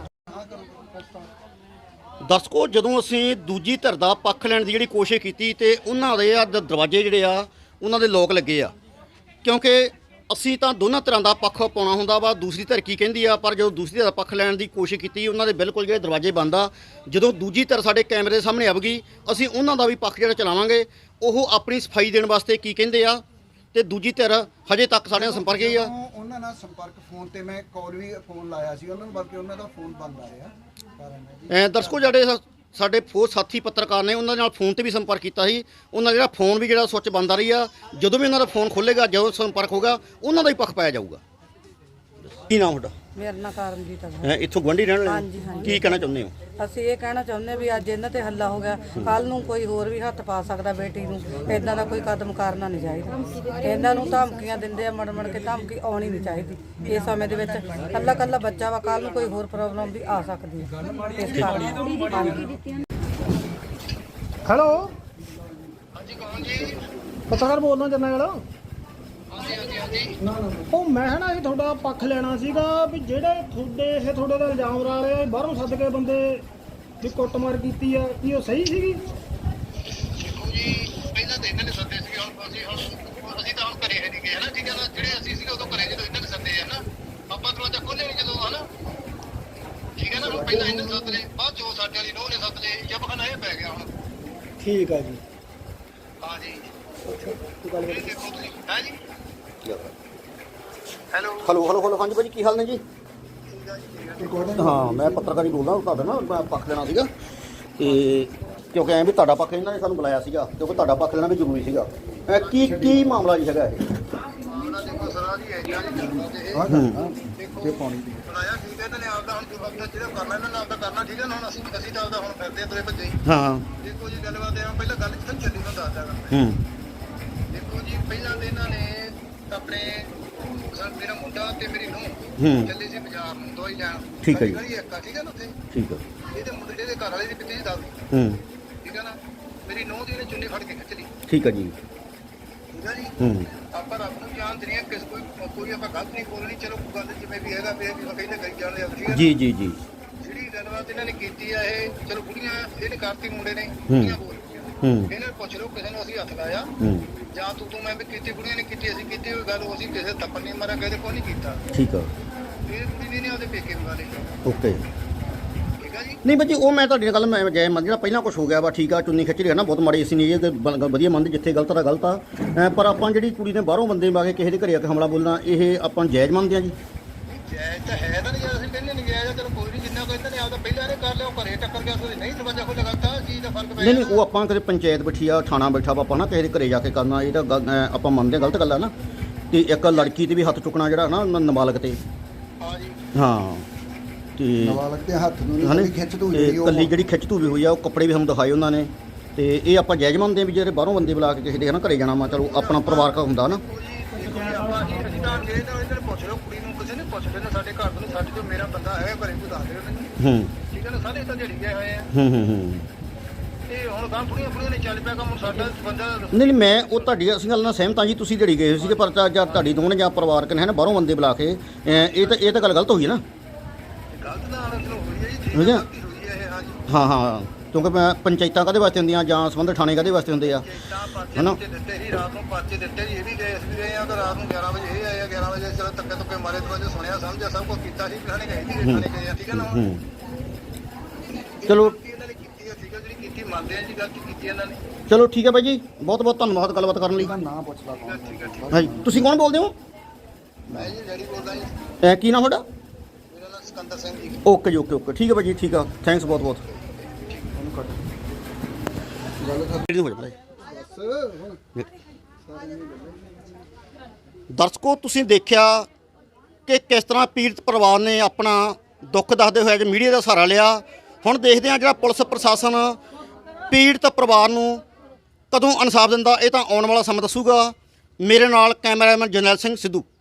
[SPEAKER 1] ਦਰਸ਼ਕੋ ਜਦੋਂ ਅਸੀਂ ਦੂਜੀ ਧਿਰ ਦਾ ਪੱਖ ਲੈਣ ਦੀ ਜਿਹੜੀ ਕੋਸ਼ਿਸ਼ ਕੀਤੀ ਤੇ ਉਹਨਾਂ ਦੇ ਆ ਦ- ਦਰਵਾਜ਼ੇ ਜਿਹੜੇ ਆ ਉਹਨਾਂ ਦੇ ਲੋਕ ਲੱਗੇ ਆ, ਕਿਉਂਕਿ ਅਸੀਂ ਤਾਂ ਦੋਨਾਂ ਧਿਰਾਂ ਦਾ ਪੱਖ ਪਾਉਣਾ ਹੁੰਦਾ ਵਾ ਦੂਸਰੀ ਧਿਰ ਕੀ ਕਹਿੰਦੀ ਆ, ਪਰ ਜਦੋਂ ਦੂਸਰੀ ਧਿਰ ਦਾ ਪੱਖ ਲੈਣ ਦੀ ਕੋਸ਼ਿਸ਼ ਕੀਤੀ ਉਹਨਾਂ ਦੇ ਬਿਲਕੁਲ ਜਿਹੜੇ ਦਰਵਾਜ਼ੇ ਬੰਦ ਆ। ਜਦੋਂ ਦੂਜੀ ਧਿਰ ਸਾਡੇ ਕੈਮਰੇ ਦੇ ਸਾਹਮਣੇ ਆਵੇਗੀ ਅਸੀਂ ਉਹਨਾਂ ਦਾ ਵੀ ਪੱਖ ਜਿਹੜਾ ਚਲਾਵਾਂਗੇ, ਉਹ ਆਪਣੀ ਸਫਾਈ ਦੇਣ ਵਾਸਤੇ ਕੀ ਕਹਿੰਦੇ ਆ। ਤੇ ਦੂਜੀ ਧਿਰ ਹਜੇ ਤੱਕ ਸਾਡੇ ਨਾਲ ਸੰਪਰਕ ਹੀ ਆ।
[SPEAKER 5] ਉਹ- ਉਹਨਾਂ ਨਾਲ ਸੰਪਰਕ ਫੋਨ ਤੇ ਮੈਂ ਕਾਲ ਵੀ ਫੋਨ ਲਾਇਆ ਸੀ ਉਹਨਾਂ ਨੂੰ, ਬਲਕਿ ਉਹਨਾਂ ਦਾ ਫੋਨ ਬੰਦ ਆ ਰਿਹਾ ਕਾਰਨ ਹੈ ਜੀ।
[SPEAKER 1] ਅ, ਦਰਸ਼ਕੋ ਜਿਹੜੇ ਸਾ- ਸਾਡੇ ਫੋਰ ਸਾਥੀ ਪੱਤਰਕਾਰ ਨੇ ਉਹਨਾਂ ਨਾਲ ਫੋਨ ਤੇ ਵੀ ਸੰਪਰਕ ਕੀਤਾ ਸੀ। ਉਹਨਾਂ ਦਾ ਜਿਹੜਾ ਫੋਨ ਵੀ ਜਿਹੜਾ ਸੁੱਚ ਬੰਦ ਆ ਰਹੀ ਆ। ਜਦੋਂ ਵੀ ਉਹਨਾਂ ਦਾ ਫੋਨ ਖੁੱਲੇਗਾ, ਜਦੋਂ ਸੰਪਰਕ ਹੋਗਾ, ਉਹਨਾਂ ਦਾ ਹੀ ਪੱਖ ਪਾਇਆ ਜਾਊਗਾ। ਕੀ ਨਾਮ ਤੁਹਾਡਾ?
[SPEAKER 8] ਮੇਰਾ ਨਾਂ ਕਰਮਜੀਤ ਹੈ।
[SPEAKER 1] ਅ, ਇੱਥੋਂ ਗੁਆਂਢੀ ਰਹਿਣ ਵਾਲੇ
[SPEAKER 8] ਹਾਂਜੀ,
[SPEAKER 1] ਹੋ?
[SPEAKER 8] ਹਾਂਜੀ।
[SPEAKER 1] ਕੀ ਕਹਿਣਾ ਚਾਹੁੰਦੇ ਹੋ?
[SPEAKER 8] ਅਸੀਂ ਇਹ ਕਹਿਣਾ ਚਾਹੁੰਦੇ ਵੀ ਅੱਜ ਇਹਨਾਂ ਤੇ ਹੱਲਾ ਹੋ ਗਿਆ, ਕੱਲ ਨੂੰ ਕੋਈ ਹੋਰ ਵੀ ਹੱਥ ਪਾ ਸਕਦਾ ਬੇਟੀ ਨੂੰ। ਇਦਾਂ ਦਾ ਕੋਈ ਕਦਮ ਕਰਨਾ ਨਹੀਂ ਚਾਹੀਦਾ। ਇਹਨਾਂ ਨੂੰ ਧਮਕੀਆਂ ਦਿੰਦੇ ਆ, ਮੜ ਮੜ ਕੇ ਧਮਕੀ ਆਉਣੀ ਨਹੀਂ ਚਾਹੀਦੀ ਇਸ ਸਮੇਂ ਦੇ ਵਿੱਚ। ਕੱਲਾ ਕੱਲਾ ਬੱਚਾ ਵਾ, ਕੱਲ ਨੂੰ ਕੋਈ ਹੋਰ ਪ੍ਰੋਬਲਮ ਵੀ ਆ ਸਕਦੀ ਹੈ ਇਸ ਕਾਰਨ। ਹਾਂਜੀ।
[SPEAKER 3] ਹੈਲੋ ਹਾਂਜੀ ਕੌਣ ਜੀ? ਪੱਤਰਕਾਰ ਬੋਲਦਾ ਜਰਨੈਲ। ਉਹ ਮੈਂ ਨਾ ਇਹ ਤੁਹਾਡਾ ਪੱਖ ਲੈਣਾ ਸੀਗਾ ਵੀ ਜਿਹੜੇ ਤੁਹਾਡੇ ਇਹ ਤੁਹਾਡੇ ਦਾ ਇਲਜ਼ਾਮ ਲਾ ਰਹੇ ਆ ਬਾਹਰੋਂ ਸੱਦ ਕੇ ਬੰਦੇ ਵੀ ਕੁੱਟਮਾਰ ਕੀਤੀ ਆ, ਕੀ ਉਹ ਸਹੀ ਸੀਗੀ?
[SPEAKER 12] ਦੇਖੋ ਜੀ ਪਹਿਲਾਂ ਤਾਂ ਇਹਨਾਂ ਨੇ ਸੱਦੇ ਸੀ, ਹੁਣ ਅਸੀਂ ਹੁਣ ਅਸੀਂ ਤਾਂ ਹੁਣ ਘਰੇ ਹੈ ਨਹੀਂ ਗਏ ਹਨਾ, ਠੀਕ ਹੈ ਨਾ। ਜਿਹੜੇ ਅਸੀਂ ਸੀਗੇ ਉਦੋਂ ਘਰੇ ਜਦੋਂ ਇਹਨਾਂ ਨੇ ਸੱਦੇ ਆ ਨਾ, ਆਪਾਂ ਦਰਵਾਜ਼ਾ ਖੋਲ੍ਹੇ ਨਹੀਂ ਜਦੋਂ ਹਨਾ, ਠੀਕ ਹੈ ਨਾ। ਹੁਣ ਪਹਿਲਾਂ ਇਹਨਾਂ ਨੇ ਸੱਦ ਲਏ, ਬਾਅਦ ਚੋਂ ਸਾਡੇ ਵਾਲੀ ਨੋਹ ਨੇ ਸੱਦ ਲਏ, ਜਬ ਖਾਨਾ ਇਹ ਪੈ ਗਿਆ ਹੁਣ।
[SPEAKER 3] ਠੀਕ ਆ ਜੀ।
[SPEAKER 12] ਹਾਂ ਜੀ ਇਹ ਦੇਖੋ ਤੁਸੀਂ ਹੈ ਜੀ। ਹੈਲੋ
[SPEAKER 1] ਹਲੋ ਹਲੋ ਹਲੋ ਹਾਂਜੀ ਭਾਜੀ ਕੀ ਹਾਲ ਨੇ ਜੀ? ਹਾਂ ਮੈਂ ਪੱਤਰਕਾਰੀ ਬੋਲਦਾ ਤੁਹਾਡਾ ਨਾ ਮੈਂ ਪੱਖ ਲੈਣਾ ਸੀਗਾ ਤੇ ਕਿਉਂਕਿ ਐਂ ਵੀ ਤੁਹਾਡਾ ਪੱਖ ਇਹਨਾਂ ਨੇ ਸਾਨੂੰ ਬੁਲਾਇਆ ਸੀਗਾ, ਕਿਉਂਕਿ ਤੁਹਾਡਾ ਪੱਖ ਲੈਣਾ ਵੀ ਜ਼ਰੂਰੀ ਸੀਗਾ। ਅ, ਕੀ ਕੀ ਮਾਮਲਾ ਜੀ ਹੈਗਾ ਇਹ?
[SPEAKER 12] ਮਾਮਲਾ ਦੇਖੋ ਸਰਾਂ ਦੀ ਹੈ ਜੀ ਆ ਜੀ ਜਨਤਾ ਤੇ ਇਹ
[SPEAKER 1] ਹੂੰ
[SPEAKER 12] ਦੇਖੋ ਪਾਣੀ ਦੀ ਬੁਲਾਇਆ, ਠੀਕ ਹੈ। ਇਹਨਾਂ ਨੇ ਆਪਦਾ ਹੁਣ ਜੋ ਵਕਤ ਜਿਹੜਾ ਕਰਨਾ ਇਹਨਾਂ ਨੇ ਆਪਦਾ ਕਰਨਾ, ਠੀਕ ਹੈ ਨਾ। ਹੁਣ ਅਸੀਂ ਅਸੀਂ ਤਾਂ ਆਪਦਾ ਹੁਣ ਫਿਰਦੇ ਤੁਰੇ ਭੱਜੇ ਹੀ।
[SPEAKER 1] ਹਾਂ
[SPEAKER 12] ਦੇਖੋ ਜੀ ਗੱਲਬਾਤ ਇਹ ਆ, ਪਹਿਲਾਂ ਗੱਲ ਕਿੱਥੇ ਚੱਲੀ ਮੈਂ ਦੱਸਦਾ ਗਾ।
[SPEAKER 1] ਹੂੰ
[SPEAKER 12] ਦੇਖੋ ਜੀ ਪਹਿਲਾਂ ਤੇ ਇਹਨਾਂ ਨੇ ਆਪਣੇ ਸਰ ਮੇਰਾ ਮੁੰਡਾ ਤੇ ਮੇਰੀ ਨੂੰਹ
[SPEAKER 1] ਹੂੰ
[SPEAKER 12] ਚੱਲੇ ਸੀ ਬਾਜ਼ਾਰ ਨੂੰ ਦਵਾਈ ਲੈਣ।
[SPEAKER 1] ਠੀਕ ਹੈ ਜੀ।
[SPEAKER 12] ਗਲੀ ਇੱਕ ਆ, ਠੀਕ ਹੈ ਨਾ ਉੱਥੇ।
[SPEAKER 1] ਠੀਕ ਹੈ।
[SPEAKER 12] ਇਹਦੇ ਮੁੰਡੇ ਦੇ ਘਰ ਵਾਲੇ ਦੀ ਪਿੱਤੀ ਦੱਸ
[SPEAKER 1] ਹੂੰ
[SPEAKER 12] ਠੀਕ ਹੈ ਨਾ। ਮੇਰੀ ਨੂੰਹ ਦੀ ਇਹਨੇ ਚੁੰਨੀ ਫੜ ਕੇ ਖਿੱਚ ਲਈ,
[SPEAKER 1] ਠੀਕ ਹੈ ਜੀ।
[SPEAKER 12] ਠੀਕ ਹੈ ਜੀ।
[SPEAKER 1] ਹੂੰ
[SPEAKER 12] ਆਪਾਂ ਰੱਬ ਨੂੰ ਜਾਣਦੇ ਨਹੀਂ ਕਿਸ ਕੋਈ ਕੋਈ ਆਪਾਂ ਗਲਤ ਨਹੀਂ ਬੋਲਣੀ, ਚਲੋ ਗੱਲ ਜਿਵੇਂ ਵੀ ਹੈਗਾ ਫਿਰ ਵੀ ਕਹਿੰਦੇ ਕਰੀ ਜਾਂਦੇ ਆ, ਠੀਕ ਹੈ।
[SPEAKER 1] ਜੀ ਜੀ ਜੀ
[SPEAKER 12] ਜਿਹੜੀ ਗੱਲਬਾਤ ਇਹਨਾਂ ਨੇ ਕੀਤੀ ਆ ਇਹ ਚਲੋ ਕੁੜੀਆਂ ਇਹਨੇ ਕਰਤੀ, ਮੁੰਡੇ ਨੇ ਕੁੜੀਆਂ ਬੋਲ ਪਈਆਂ।
[SPEAKER 1] ਹੂੰ
[SPEAKER 12] ਇਹਨਾਂ ਨੂੰ ਪੁੱਛ ਲਓ ਕਿਸੇ ਨੂੰ ਅਸੀਂ ਹੱਥ ਲਾਇਆ
[SPEAKER 1] ਹੂੰ
[SPEAKER 12] ਜਾਂ ਤੂੰ ਤੂੰ ਮੈਂ ਵੀ ਕੀਤੀ, ਕੁੜੀਆਂ ਨੇ ਕੀਤੀ, ਅਸੀਂ ਕੀਤੀ ਹੋਈ ਗੱਲ, ਉਹ ਅਸੀਂ ਕਿਸੇ ਥੱਪੜ ਨਹੀਂ ਮਾਰਿਆ, ਕਿਸੇ ਕੋਈ ਨਹੀਂ ਕੀਤਾ।
[SPEAKER 1] ਠੀਕ ਆ
[SPEAKER 12] ਇਹ ਕੁੜੀ ਨੇ ਨੇ ਆਪਦੇ ਪੇਕੇ ਬੁਲਾ ਲਏ,
[SPEAKER 1] ਓਕੇ।
[SPEAKER 12] ਠੀਕ ਆ ਜੀ।
[SPEAKER 1] ਨਹੀਂ ਭਾਜੀ ਉਹ ਮੈਂ ਤੁਹਾਡੀ ਗੱਲ ਮੈਂ ਜੈ ਮੰਨ ਜਿਹੜਾ ਪਹਿਲਾਂ ਕੁਝ ਹੋ ਗਿਆ ਵਾ, ਠੀਕ ਆ ਚੁੰਨੀ ਖਿੱਚ ਰਹੀ ਹੈ ਨਾ, ਬਹੁਤ ਮਾੜੀ ਅਸੀਂ ਨਹੀਂ ਇਹ ਤੇ ਬ- ਵਧੀਆ ਮੰਨਦੇ, ਜਿੱਥੇ ਗਲਤ ਦਾ ਗਲਤ ਆ। ਅ, ਪਰ ਆਪਾਂ ਜਿਹੜੀ ਕੁੜੀ ਨੇ ਬਾਹਰੋਂ ਬੰਦੇ ਮਾ ਕੇ ਕਿਸੇ ਦੇ ਘਰੇ ਆ ਕੇ ਹਮਲਾ ਬੋਲਣਾ, ਇਹ ਆਪਾਂ ਜਾਇਜ਼ ਮੰਨਦੇ ਆ ਜੀ?
[SPEAKER 12] ਜਾਇਜ਼ ਤਾਂ ਹੈ ਤਾਂ ਨਹੀਂ, ਯਾਰ ਅਸੀਂ ਕਹਿੰਦੇ ਨਹੀਂ ਜਾਇਜ਼, ਚਲੋ ਕੋਈ ਨਹੀਂ, ਜਿੰਨਾ ਕਹਿੰਦੇ ਨੇ ਆਪਦਾ ਪਹਿਲਾਂ ਨੇ ਕਰ ਲਿਆ, ਉਹ ਘਰੇ ਟੱਕਰ ਗਿਆ, ਉਹਦੇ ਨਹੀਂ ਦਰਵਾਜ਼ਾ ਖੋਲ੍ਹਿਆ, ਗਲਤ ਆ ਚੀਜ਼ ਦਾ ਫਰਕ ਪੈ
[SPEAKER 1] ਨਹੀਂ ਨਹੀਂ ਉਹ ਆਪਾਂ ਕਦੇ ਪੰਚਾਇਤ ਬੈਠੀ ਆ, ਥਾਣਾ ਬੈਠਾ ਵਾ, ਆਪਾਂ ਨਾ ਕਿਸੇ ਦੇ ਘਰੇ ਜਾ ਕੇ ਕਰਨਾ, ਇਹ ਤਾਂ ਗੱਲ- ਅ, ਆਪਾਂ ਮੰਨਦੇ ਹਾਂ, ਗਲਤ ਗੱਲ ਆ ਨਾ। ਤੇ ਇੱਕ ਲੜਕੀ ਤੇ ਵੀ ਹੱਥ ਚੁੱਕਣਾ ਜਿਹੜਾ ਨਾ ਨ- ਨਾਬਾਲਗ ਤੇ,
[SPEAKER 12] ਹਾਂ ਜੀ
[SPEAKER 1] ਹਾਂ ਤੇ
[SPEAKER 5] ਨਾਬਾਲਗ ਦੇ ਹੱਥ ਨੂੰ
[SPEAKER 1] ਹਨਾ?
[SPEAKER 5] ਨਹੀਂ ਖਿੱਚ ਧੂ
[SPEAKER 1] ਤੇ
[SPEAKER 5] ਜਿਹੜੀ ਉਹ
[SPEAKER 1] ਕੱਲੀ ਜਿਹੜੀ ਖਿੱਚ ਧੂਵੀ ਹੋਈ ਆ, ਉਹ ਕੱਪੜੇ ਵੀ ਸਾਨੂੰ ਦਿਖਾਏ ਉਹਨਾਂ ਨੇ। ਤੇ ਇਹ ਆਪਾਂ ਜਾਇਜ਼ ਮੰਨਦੇ ਹਾਂ ਵੀ ਜਿਹੜੇ ਬਾਹਰੋਂ ਬੰਦੇ ਬੁਲਾ ਕੇ ਕਿਸੇ ਦੇ ਹਨਾ ਘਰੇ ਜਾਣਾ ਵਾ, ਚਲੋ ਆਪਣਾ ਪਰਿਵਾਰਕ ਹੁੰਦਾ ਨਾ।
[SPEAKER 12] ਆਪਾਂ ਅਸੀਂ ਅਸੀਂ ਤਾਂ ਜੇ ਤਾਂ ਇਹਨਾਂ ਨੂੰ ਪੁੱਛ ਲਓ, ਕੁੜੀ ਨੂੰ ਕਿਸੇ ਨੇ ਪੁੱਛ ਲੈਣਾ, ਸਾਡੇ ਘਰ ਨੂੰ, ਸਾਡੇ ਜੋ ਮੇਰਾ ਬੰਦਾ ਹੈ ਘਰੇ, ਕੋਈ ਦੱਸ ਦਿਓ ਮੈਨੂੰ,
[SPEAKER 1] ਹੂੰ
[SPEAKER 12] ਠੀਕ ਹੈ ਨਾ। ਸਾਰੇ ਤਾਂ ਜਿਹੜੀ ਗਏ ਹੋਏ ਆ,
[SPEAKER 1] ਹੂੰ ਹੂੰ ਹੂੰ
[SPEAKER 12] ਇਹ ਹੁਣ ਗਾਂ ਬੁੜੀਆਂ ਬੁੜੀਆਂ ਨੇ ਚੱਲ ਪਿਆ ਕੰਮ ਸਾਡਾ ਬੰਦਾ
[SPEAKER 1] ਨਹੀਂ ਨਹੀਂ ਮੈਂ ਉਹ ਤੁਹਾਡੀ ਅਸੀਂ ਗੱਲ ਨਾਲ ਸਹਿਮਤ ਹਾਂ ਜੀ। ਤੁਸੀਂ ਜਿਹੜੀ ਗਏ ਸੀਗੇ ਪਰ ਜਾਂ ਤੁਹਾਡੀ ਦੋਵਾਂ ਨੇ ਜਾਂ ਪਰਿਵਾਰਕ ਨੇ ਹੈ ਨਾ ਬਾਹਰੋਂ ਬੰਦੇ ਬੁਲਾ ਕੇ ਅਹ ਇਹ ਤਾਂ ਇਹ ਤਾਂ ਗੱਲ ਗਲਤ ਹੋਈ ਹੈ ਨਾ।
[SPEAKER 12] ਗਲਤ ਤਾਂ ਹਾਲਤ ਨੂੰ ਹੋਈ ਹੈ ਜੀ, ਠੀਕ
[SPEAKER 1] ਹੋ ਗਿਆ?
[SPEAKER 12] ਗਲਤੀ ਹੋਈ ਹੈ ਇਹ, ਹਾਂਜੀ।
[SPEAKER 1] ਹਾਂ ਹਾਂ ਕਿਉਂਕਿ ਮੈਂ ਪੰਚਾਇਤਾਂ ਕਾਹਦੇ ਵਾਸਤੇ ਹੁੰਦੀਆਂ ਜਾਂ ਸੰਬੰਧਿਤ ਥਾਣੇ ਕਾਹਦੇ ਵਾਸਤੇ ਹੁੰਦੇ ਆ
[SPEAKER 12] ਤਾਂ ਪਰਚੇ
[SPEAKER 1] ਹੈ ਨਾ।
[SPEAKER 12] ਪੁਰਚੇ ਦਿੱਤੇ ਸੀ ਰਾਤ ਨੂੰ, ਪਰਚੇ ਦਿੱਤੇ ਜੀ, ਇਹ ਵੀ ਗਏ ਅਸੀਂ ਵੀ ਗਏ ਆ ਤਾਂ ਰਾਤ ਨੂੰ ਗਿਆਰਾਂ ਵਜੇ ਇਹ ਆਏ ਆ, ਗਿਆਰਾਂ ਵਜੇ ਚਲੋ ਧੱਕੇ ਧੁੱਕੇ ਮਾਰੇ ਤੋਂ ਵਜੇ ਸੁਣਿਆ ਸਮਝਿਆ ਸਭ ਕੁਝ ਕੀਤਾ ਸੀ, ਥਾਣੇ ਗਏ ਸੀ, ਥਾਣੇ ਗਏ ਆ, ਠੀਕ ਹੈ ਨਾ। ਹੁਣ
[SPEAKER 1] ਹੂੰ ਚਲੋ
[SPEAKER 12] ਗਲਤੀ ਇਹਨਾਂ ਨੇ ਕੀਤੀ ਹੈ, ਠੀਕ ਹੈ, ਜਿਹੜੀ ਕੀਤੀ ਮੰਨਦੇ ਆ ਜੀ, ਗਲਤੀ ਕੀਤੀ ਇਹਨਾਂ ਨੇ।
[SPEAKER 1] ਚਲੋ ਠੀਕ ਹੈ ਬਾਈ ਜੀ, ਬਹੁਤ ਬਹੁਤ ਧੰਨਵਾਦ ਗੱਲਬਾਤ ਕਰਨ ਲਈ।
[SPEAKER 5] ਨਾ ਪੁੱਛ ਲਾ ਕੌਣ।
[SPEAKER 12] ਠੀਕ ਹੈ, ਠੀਕ ਹੈ।
[SPEAKER 1] ਹਾਂਜੀ ਤੁਸੀਂ ਕੌਣ ਬੋਲਦੇ ਹੋ?
[SPEAKER 12] ਮੈਂ ਜੀ ਡੈਡੀ ਬੋਲਦਾ ਜੀ,
[SPEAKER 1] ਅਹ ਕੀ ਨਾਮ ਤੁਹਾਡਾ?
[SPEAKER 12] ਮੇਰਾ ਨਾਮ ਸਿਕੰਦਰ ਸਿੰਘ ਜੀ।
[SPEAKER 1] ਓਕੇ ਜੀ ਓਕੇ ਓਕੇ ਠੀਕ ਹੈ ਬਾਈ ਜੀ, ਠੀਕ ਆ, ਥੈਂਕਸ ਬਹੁਤ ਬਹੁਤ। ਦਰਸ਼ਕੋ ਤੁਸੀਂ ਦੇਖਿਆ ਕਿ ਕਿਸ ਤਰ੍ਹਾਂ ਪੀੜਤ ਪਰਿਵਾਰ ਨੇ ਆਪਣਾ ਦੁੱਖ ਦੱਸਦੇ ਹੋਏ ਅੱਜ ਮੀਡੀਆ ਦਾ ਸਹਾਰਾ ਲਿਆ। ਹੁਣ ਦੇਖਦੇ ਹਾਂ ਜਿਹੜਾ ਪੁਲਿਸ ਪ੍ਰਸ਼ਾਸਨ ਪੀੜਤ ਪਰਿਵਾਰ ਨੂੰ ਕਦੋਂ ਇਨਸਾਫ ਦਿੰਦਾ, ਇਹ ਤਾਂ ਆਉਣ ਵਾਲਾ ਸਮਾਂ ਦੱਸੂਗਾ। ਮੇਰੇ ਨਾਲ ਕੈਮਰਾਮੈਨ ਜਰਨੈਲ ਸਿੰਘ ਸਿੱਧੂ।